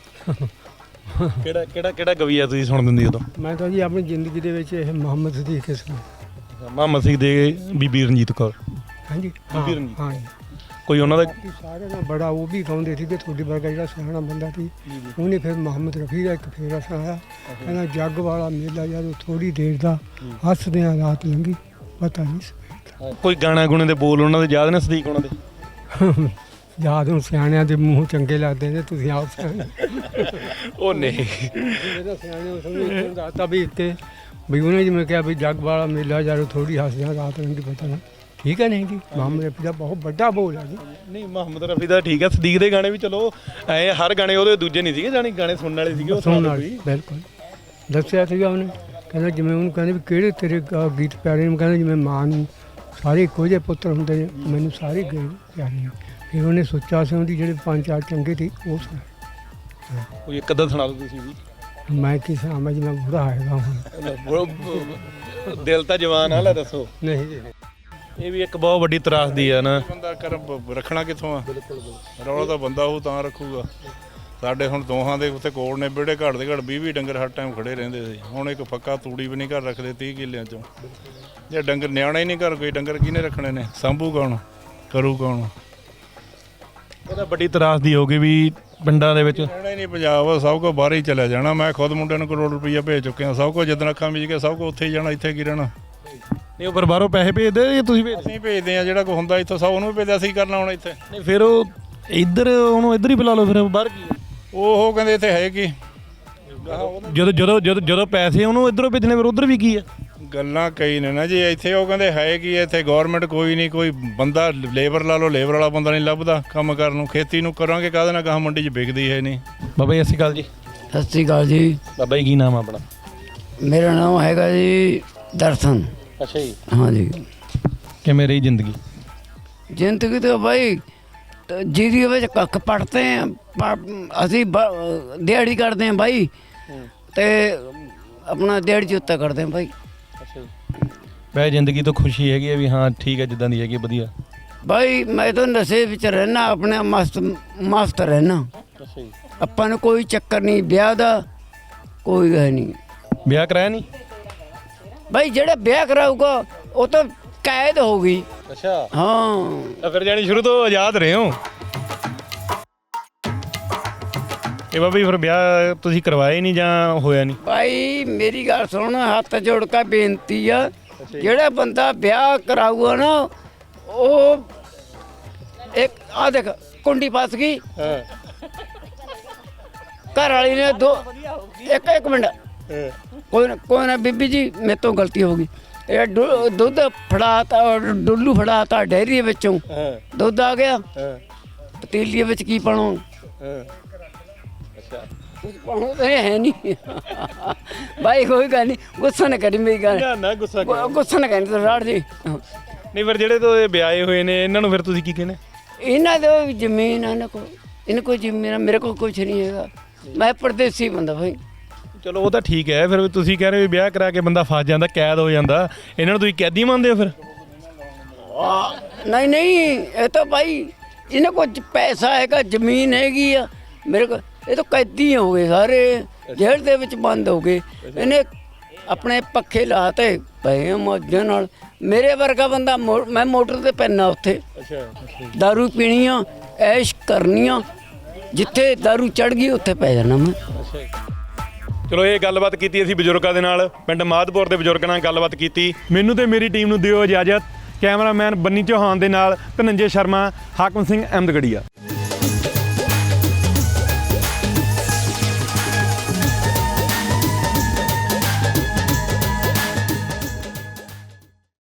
[SPEAKER 1] ਕਿਹੜਾ ਕਿਹੜਾ ਕਿਹੜਾ ਗਵੀਆ ਤੁਸੀਂ ਸੁਣ ਦਿੰਦੀ ਉਦੋਂ
[SPEAKER 4] ਮੈਂ ਤਾਂ ਜੀ ਆਪਣੀ ਜ਼ਿੰਦਗੀ ਦੇ ਵਿੱਚ ਇਹ ਮੁਹੰਮਦ ਸਦੀਕ ਕਿਸਮ
[SPEAKER 1] ਮੁਹੰਮਦ ਸਿੰਘ ਦੇ ਬੀਬੀ ਰਣਜੀਤ ਕੌਰ
[SPEAKER 4] ਹਾਂਜੀ
[SPEAKER 1] ਬੀਬੀ ਰਣਜੀਤ।
[SPEAKER 4] ਹਾਂ
[SPEAKER 1] ਕੋਈ ਉਹਨਾਂ ਦਾ
[SPEAKER 4] ਬਾਕੀ ਸਾਰਿਆਂ ਨਾਲ ਬੜਾ ਉਹ ਵੀ ਗਾਉਂਦੇ ਸੀ ਕਿ ਤੁਹਾਡੇ ਵਰਗਾ ਜਿਹੜਾ ਸਿਆਣਾ ਬੰਦਾ ਸੀ ਉਹਨੇ ਫਿਰ ਮੁਹੰਮਦ ਰਫੀ ਦਾ ਇੱਕ ਫੇਰਾ ਸੁਣਾਇਆ ਕਹਿੰਦਾ ਜੱਗ ਵਾਲਾ ਮੇਲਾ ਜਦੋਂ ਥੋੜੀ ਦੇਰ ਦਾ ਹੱਸਦਿਆਂ ਰਾਤ ਲੰਘੀ ਪਤਾ ਨਹੀਂ ਸਵੇਰ
[SPEAKER 1] ਕੋਈ ਗਾਣਾ ਗੁਣੇ ਦੇ ਬੋਲ ਉਹਨਾਂ ਦੇ ਯਾਦ ਨੇ ਸਦੀਕ ਉਹਨਾਂ ਦੇ
[SPEAKER 4] ਦਾ ਯਾਦ ਨੂੰ ਸਿਆਣਿਆਂ ਦੇ ਮੂੰਹ ਚੰਗੇ ਲੱਗਦੇ ਨੇ ਤੁਸੀਂ ਆਪ ਸਿਆਣੇ
[SPEAKER 1] ਉਹ ਨਹੀਂ
[SPEAKER 4] ਜਿਹੜਾ ਸਿਆਣੇ ਉਸ ਨੂੰ ਦੱਸਤਾ ਵੀ ਇੱਥੇ ਵੀ ਉਹਨੇ ਜਿਵੇਂ ਕਿਹਾ ਵੀ ਜੱਗ ਵਾਲਾ ਮੇਲਾ ਜਦੋਂ ਥੋੜੀ ਹੱਸਦਿਆਂ ਰਾਤ ਲੰਘੀ ਪਤਾ ਨਹੀਂ ਠੀਕ ਹੈ ਨਹੀਂ ਜੀ ਮੁਹੰਮਦ ਰਫੀ ਦਾ ਬਹੁਤ ਵੱਡਾ ਬੋਲ ਹੈ ਜੀ।
[SPEAKER 1] ਨਹੀਂ ਮੁਹੰਮਦ ਰਫੀ ਦਾ ਠੀਕ ਹੈ, ਸਦੀਕ ਦੇ ਗਾਣੇ ਵੀ ਚਲੋ ਐ ਹਰ ਗਾਣੇ ਉਹਦੇ ਦੂਜੇ ਨਹੀਂ ਸੀਗੇ ਜਾਣੀ ਗਾਣੇ ਸੁਣਨ ਵਾਲੇ ਸੀਗੇ ਉਹ
[SPEAKER 4] ਸੁਣਨ
[SPEAKER 1] ਸੁਣਨ
[SPEAKER 4] ਵਾਲੀ ਬਿਲਕੁਲ ਦੱਸਿਆ ਸੀਗਾ ਉਹਨੇ, ਕਹਿੰਦਾ ਜਿਵੇਂ ਉਹਨੂੰ ਕਹਿੰਦੇ ਵੀ ਕਿਹੜੇ ਤੇਰੇ ਗ- ਗੀਤ ਪਿਆਰੇ ਨੇ, ਕਹਿੰਦਾ ਜਿਵੇਂ ਮਾਂ ਨੂੰ ਸਾਰੇ ਇੱਕੋ ਜਿਹੇ ਪੁੱਤਰ ਹੁੰਦੇ ਨੇ, ਮੈਨੂੰ ਸਾਰੇ ਗੀਤ ਪਿਆਰੇ ਨੇ। ਫਿਰ ਉਹਨੇ ਸੋਚਿਆ ਸੀ ਉਹਦੀ ਜਿਹੜੇ ਪੰਜ ਚਾਰ ਚੰਗੇ ਸੀ ਉਹ ਸੁਣਾ।
[SPEAKER 1] ਕੋਈ ਇੱਕ ਅੱਧਾ ਸੁਣਾ ਦਿਓ ਤੁਸੀਂ ਵੀ।
[SPEAKER 4] ਮੈਂ ਕੀ ਸੁਣਾਵਾਂ ਜੀ, ਮੈਂ ਬੁਰਾ ਹੈਗਾ ਹੁਣ।
[SPEAKER 1] ਦਿਲ ਤਾਂ ਜਵਾਨ ਆ, ਲੈ ਦੱਸੋ।
[SPEAKER 4] ਨਹੀਂ ਜੀ
[SPEAKER 1] ਇਹ ਵੀ ਇੱਕ ਬਹੁਤ ਵੱਡੀ ਤਰਾਸਦੀ ਆ ਨਾ।
[SPEAKER 7] ਬੰਦਾ ਕਰ ਰੱਖਣਾ ਕਿੱਥੋਂ ਆ, ਰੌਲਾ ਤਾਂ ਬੰਦਾ ਉਹ ਤਾਂ ਰੱਖੂਗਾ। ਸਾਡੇ ਹੁਣ ਦੋਹਾਂ ਦੇ ਉੱਤੇ ਕੋਲ ਨੇ ਵਿਹੜੇ ਘੜ ਦੇ ਘੜ ਵੀਹ ਵੀਹ ਡੰਗਰ ਹਰ ਟਾਈਮ ਖੜੇ ਰਹਿੰਦੇ ਸੀ। ਹੁਣ ਇੱਕ ਪੱਕਾ ਤੂੜੀ ਵੀ ਨਹੀਂ ਘਰ ਰੱਖਦੇ ਤੀਹ ਕਿੱਲਿਆਂ ਚੋਂ। ਜੇ ਡੰਗਰ ਨਿਆਣਾ ਹੀ ਨਹੀਂ ਘਰ, ਕੋਈ ਡੰਗਰ ਕਿਹਨੇ ਰੱਖਣੇ ਨੇ, ਸਾਂਭੂ ਕੌਣ, ਕਰੂ ਕੌਣ?
[SPEAKER 1] ਉਹਦਾ ਵੱਡੀ ਤਰਾਸਦੀ ਹੋ ਗਈ ਵੀ ਪਿੰਡਾਂ ਦੇ ਵਿੱਚ
[SPEAKER 7] ਰਹਿਣਾ ਹੀ ਨਹੀਂ ਪੰਜਾਬ, ਸਭ ਕੁਝ ਬਾਹਰ ਹੀ ਚਲਿਆ ਜਾਣਾ। ਮੈਂ ਖੁਦ ਮੁੰਡਿਆਂ ਨੂੰ ਕਰੋੜ ਰੁਪਈਆ ਭੇਜ ਚੁੱਕਿਆ, ਸਭ ਕੁਝ ਜਿੱਦਣ ਅੱਖਾਂ ਮੀਚ ਕੇ ਸਭ ਕੁਝ ਉੱਥੇ ਹੀ ਜਾਣਾ, ਇੱਥੇ ਕੀ ਰਹਿਣਾ।
[SPEAKER 1] ਨਹੀਂ ਉਹ ਪਰ ਬਾਹਰੋਂ ਪੈਸੇ ਭੇਜਦੇ ਜਾਂ ਤੁਸੀਂ ਭੇਜਦੇ?
[SPEAKER 7] ਅਸੀਂ ਭੇਜਦੇ ਆ, ਜਿਹੜਾ ਕੋਈ ਹੁੰਦਾ ਇੱਥੋਂ ਸਭ ਉਹਨੂੰ ਵੀ ਭੇਜਦੇ, ਅਸੀਂ ਕਰਨਾ ਹੁਣ ਇੱਥੇ।
[SPEAKER 1] ਨਹੀਂ ਫਿਰ ਉਹ ਇੱਧਰ ਉਹਨੂੰ ਇੱਧਰ ਹੀ ਬੁਲਾ ਲਓ, ਫਿਰ ਬਾਹਰ ਕੀ?
[SPEAKER 7] ਉਹ ਉਹ ਕਹਿੰਦੇ ਇੱਥੇ ਹੈ ਕੀ,
[SPEAKER 1] ਜਦੋਂ ਜਦੋਂ ਜਦੋਂ ਜਦੋਂ ਪੈਸੇ ਉਹਨੂੰ ਇੱਧਰੋਂ ਭੇਜਣੇ ਫਿਰ ਉੱਧਰ ਵੀ ਕੀ ਆ?
[SPEAKER 7] ਗੱਲਾਂ ਕਈ ਨੇ ਨਾ ਜੀ। ਇੱਥੇ ਉਹ ਕਹਿੰਦੇ ਹੈ ਕੀ, ਇੱਥੇ ਗਵਰਨਮੈਂਟ ਕੋਈ ਨਹੀਂ, ਕੋਈ ਬੰਦਾ ਲੇਬਰ ਲਾ ਲਓ, ਲੇਬਰ ਵਾਲਾ ਬੰਦਾ ਨਹੀਂ ਲੱਭਦਾ ਕੰਮ ਕਰਨ ਨੂੰ। ਖੇਤੀ ਨੂੰ ਕਰਾਂਗੇ ਕਾਹਦੇ ਨਾਲ, ਕਹਾਂ ਮੰਡੀ 'ਚ ਵਿਕਦੀ ਹੈ ਨਹੀਂ।
[SPEAKER 1] ਬਾਬਾ ਜੀ ਸਤਿ ਸ਼੍ਰੀ ਅਕਾਲ ਜੀ।
[SPEAKER 3] ਸਤਿ ਸ਼੍ਰੀ ਅਕਾਲ ਜੀ।
[SPEAKER 1] ਬਾਬਾ ਜੀ ਕੀ ਨਾਮ ਆ ਆਪਣਾ?
[SPEAKER 3] ਮੇਰਾ ਨਾਮ ਹੈਗਾ ਜੀ ਦਰਸ਼ਨ।
[SPEAKER 1] ਅੱਛਾ ਜੀ।
[SPEAKER 3] हाँ जी।
[SPEAKER 1] ਕਿਵੇਂ ਰਹੀ ਜ਼ਿੰਦਗੀ?
[SPEAKER 3] ਜ਼ਿੰਦਗੀ तो भाई ਜਿਹਦੀ ਵਿੱਚ ਕੱਖ ਪੜਤੇ ਆ, ਅਸੀਂ ਬ- ਦਿਹਾੜੀ ਕਰਦੇ ਆ ਬਾਈ, ਤੇ ਆਪਣਾ ਦਿਹਾੜੀ ਜੁੱਤਾ ਕਰਦੇ ਆ ਬਾਈ।
[SPEAKER 1] ਅੱਛਾ ਜੀ। ਵੈ ਜ਼ਿੰਦਗੀ ਤੋਂ ਖੁਸ਼ੀ ਹੈਗੀ ਹੈ ਵੀ ਹਾਂ ਠੀਕ ਹੈ ਜਿੱਦਾਂ ਦੀ ਹੈਗੀ ਵਧੀਆ?
[SPEAKER 3] ਬਾਈ ਮੈਂ ਤਾਂ ਨਸ਼ੇ ਵਿੱਚ ਰਹਿਣਾ, ਆਪਣੇ ਮਸਤ ਮਸਤ ਰਹਿਣਾ।
[SPEAKER 1] ਅੱਛਾ ਜੀ।
[SPEAKER 3] ਆਪਾਂ ਨੂੰ ਕੋਈ ਚੱਕਰ ਨਹੀਂ ਵਿਆਹ ਦਾ, ਕੋਈ ਹੈ ਨਹੀਂ।
[SPEAKER 1] ਵਿਆਹ ਕਰਾਇਆ ਨਹੀਂ?
[SPEAKER 3] ਬਾਈ ਜਿਹੜਾ ਵਿਆਹ ਕਰਾਊਗਾ ਉਹ ਤਾਂ ਕੈਦ ਹੋਊਗੀ।
[SPEAKER 1] ਅੱਛਾ
[SPEAKER 3] ਹਾਂ
[SPEAKER 1] ਤਾਂ ਫਿਰ ਜਾਨੀ ਸ਼ੁਰੂ ਤੋਂ ਆਜ਼ਾਦ ਰਹੇ ਹੋ। ਇਹ ਬਾਬਾ ਜੀ ਫਿਰ ਵਿਆਹ ਤੁਸੀਂ ਕਰਵਾਏ ਨਹੀਂ ਜਾਂ ਹੋਇਆ ਨਹੀਂ?
[SPEAKER 3] ਭਾਈ ਮੇਰੀ ਗੱਲ ਸੁਣ, ਹੱਥ ਜੋੜ ਕੇ ਬੇਨਤੀ ਆ, ਜਿਹੜਾ ਬੰਦਾ ਵਿਆਹ ਕਰਾਊਗਾ ਨਾ ਉਹ ਇੱਕ ਆ ਦੇਖ ਕੁੰਡੀ ਫਸ ਗਈ,
[SPEAKER 1] ਹਾਂ
[SPEAKER 3] ਘਰ ਵਾਲੀ ਨੇ ਦੋ ਇੱਕ ਇੱਕ ਮਿੰਟ ਕੋਈ ਨਾ ਕੋਈ ਨਾ ਬੀਬੀ ਜੀ ਮੇਰੇ ਤੋਂ ਗਲਤੀ ਹੋ ਗਈ। ਇਹ ਦੁ- ਦੁੱਧ ਫੜਾਤਾ, ਡੁੱਲੂ ਫੜਾਤਾ ਡੈਰੀ ਵਿੱਚੋਂ, ਦੁੱਧ ਆ ਗਿਆ ਪਤੀਲੀ ਵਿੱਚ, ਕੀ ਪਾਉਣਾ?
[SPEAKER 1] ਅੱਛਾ
[SPEAKER 3] ਕੁਝ ਪਾਉਣਾ ਤਾਂ ਹੈ ਨਹੀਂ। ਭਾਈ ਕੋਈ ਗੱਲ ਨਹੀਂ, ਗੁੱਸਾ ਨਾ ਕਰੀ ਮੇਰੀ ਗੱਲ,
[SPEAKER 1] ਨਾ ਨਾ ਗੁੱਸਾ ਕਰੋ।
[SPEAKER 3] ਗੁੱਸਾ ਨਾ ਕਰੀ ਤੂੰ ਰਾੜ ਜੀ।
[SPEAKER 1] ਨਹੀਂ ਫਿਰ ਜਿਹੜੇ ਤੋਂ ਇਹ ਵਿਆਹੇ ਹੋਏ ਨੇ ਇਹਨਾਂ ਨੂੰ ਫਿਰ ਤੁਸੀਂ ਕੀ ਕਹਿੰਦੇ?
[SPEAKER 3] ਇਹਨਾਂ ਦੇ ਵੀ ਜ਼ਮੀਨ ਆ, ਇਹਨਾਂ ਕੋਲ ਇਹਨਾਂ ਕੋਲ ਜ਼ਮੀਨ ਆ, ਮੇਰੇ ਕੋਲ ਕੁਝ ਨਹੀਂ ਹੈਗਾ। ਮੈਂ ਪਰਦੇਸੀ ਬੰਦਾ ਭਾਈ।
[SPEAKER 1] ਚਲੋ ਉਹ ਤਾਂ ਠੀਕ ਹੈ, ਫਿਰ ਤੁਸੀਂ ਕਹਿ ਰਹੇ ਹੋ ਵਿਆਹ ਕਰਾ ਕੇ ਬੰਦਾ ਫਸ ਜਾਂਦਾ, ਕੈਦ ਹੋ ਜਾਂਦਾ, ਇਹਨਾਂ ਨੂੰ ਤੁਸੀਂ ਕੈਦੀ ਮੰਨਦੇ ਹੋ ਫਿਰ?
[SPEAKER 3] ਨਹੀਂ ਨਹੀਂ, ਇਹ ਤਾਂ ਭਾਈ ਇਹਨਾਂ ਕੋਲ ਪੈਸਾ ਹੈਗਾ, ਜ਼ਮੀਨ ਹੈਗੀ ਆ, ਮੇਰੇ ਕੋਲ ਇਹ ਤਾਂ ਕੈਦੀ ਹੋ ਗਏ ਸਾਰੇ, ਜੇਲ੍ਹ ਦੇ ਵਿੱਚ ਬੰਦ ਹੋ ਗਏ। ਇਹਨੇ ਆਪਣੇ ਪੱਖੇ ਲਾਤੇ ਪਏ ਮੌਜਾਂ ਨਾਲ। ਮੇਰੇ ਵਰਗਾ ਬੰਦਾ ਮੋ- ਮੈਂ ਮੋਟਰ ਤੇ ਪੈਣਾ ਉੱਥੇ, ਦਾਰੂ ਪੀਣੀ ਆ, ਐਸ਼ ਕਰਨੀ ਆ, ਜਿੱਥੇ ਦਾਰੂ ਚੜ ਗਈ ਉੱਥੇ ਪੈ ਜਾਣਾ ਮੈਂ।
[SPEAKER 1] ਚਲੋ ਇਹ ਗੱਲਬਾਤ ਕੀਤੀ ਅਸੀਂ ਬਜ਼ੁਰਗਾਂ ਦੇ ਨਾਲ, ਪਿੰਡ ਮਾਧਪੁਰ ਦੇ ਬਜ਼ੁਰਗਾਂ ਨਾਲ ਗੱਲਬਾਤ ਕੀਤੀ। ਮੈਨੂੰ ਤੇ ਮੇਰੀ ਟੀਮ ਨੂੰ ਦਿਓ ਇਜਾਜ਼ਤ। ਕੈਮਰਾਮੈਨ ਬੰਨੀ ਚੌਹਾਨ ਦੇ ਨਾਲ ਧਨੰਜੇ ਸ਼ਰਮਾ, ਹਾਕਮ ਸਿੰਘ ਅਹਿਮਦਗੜੀਆ।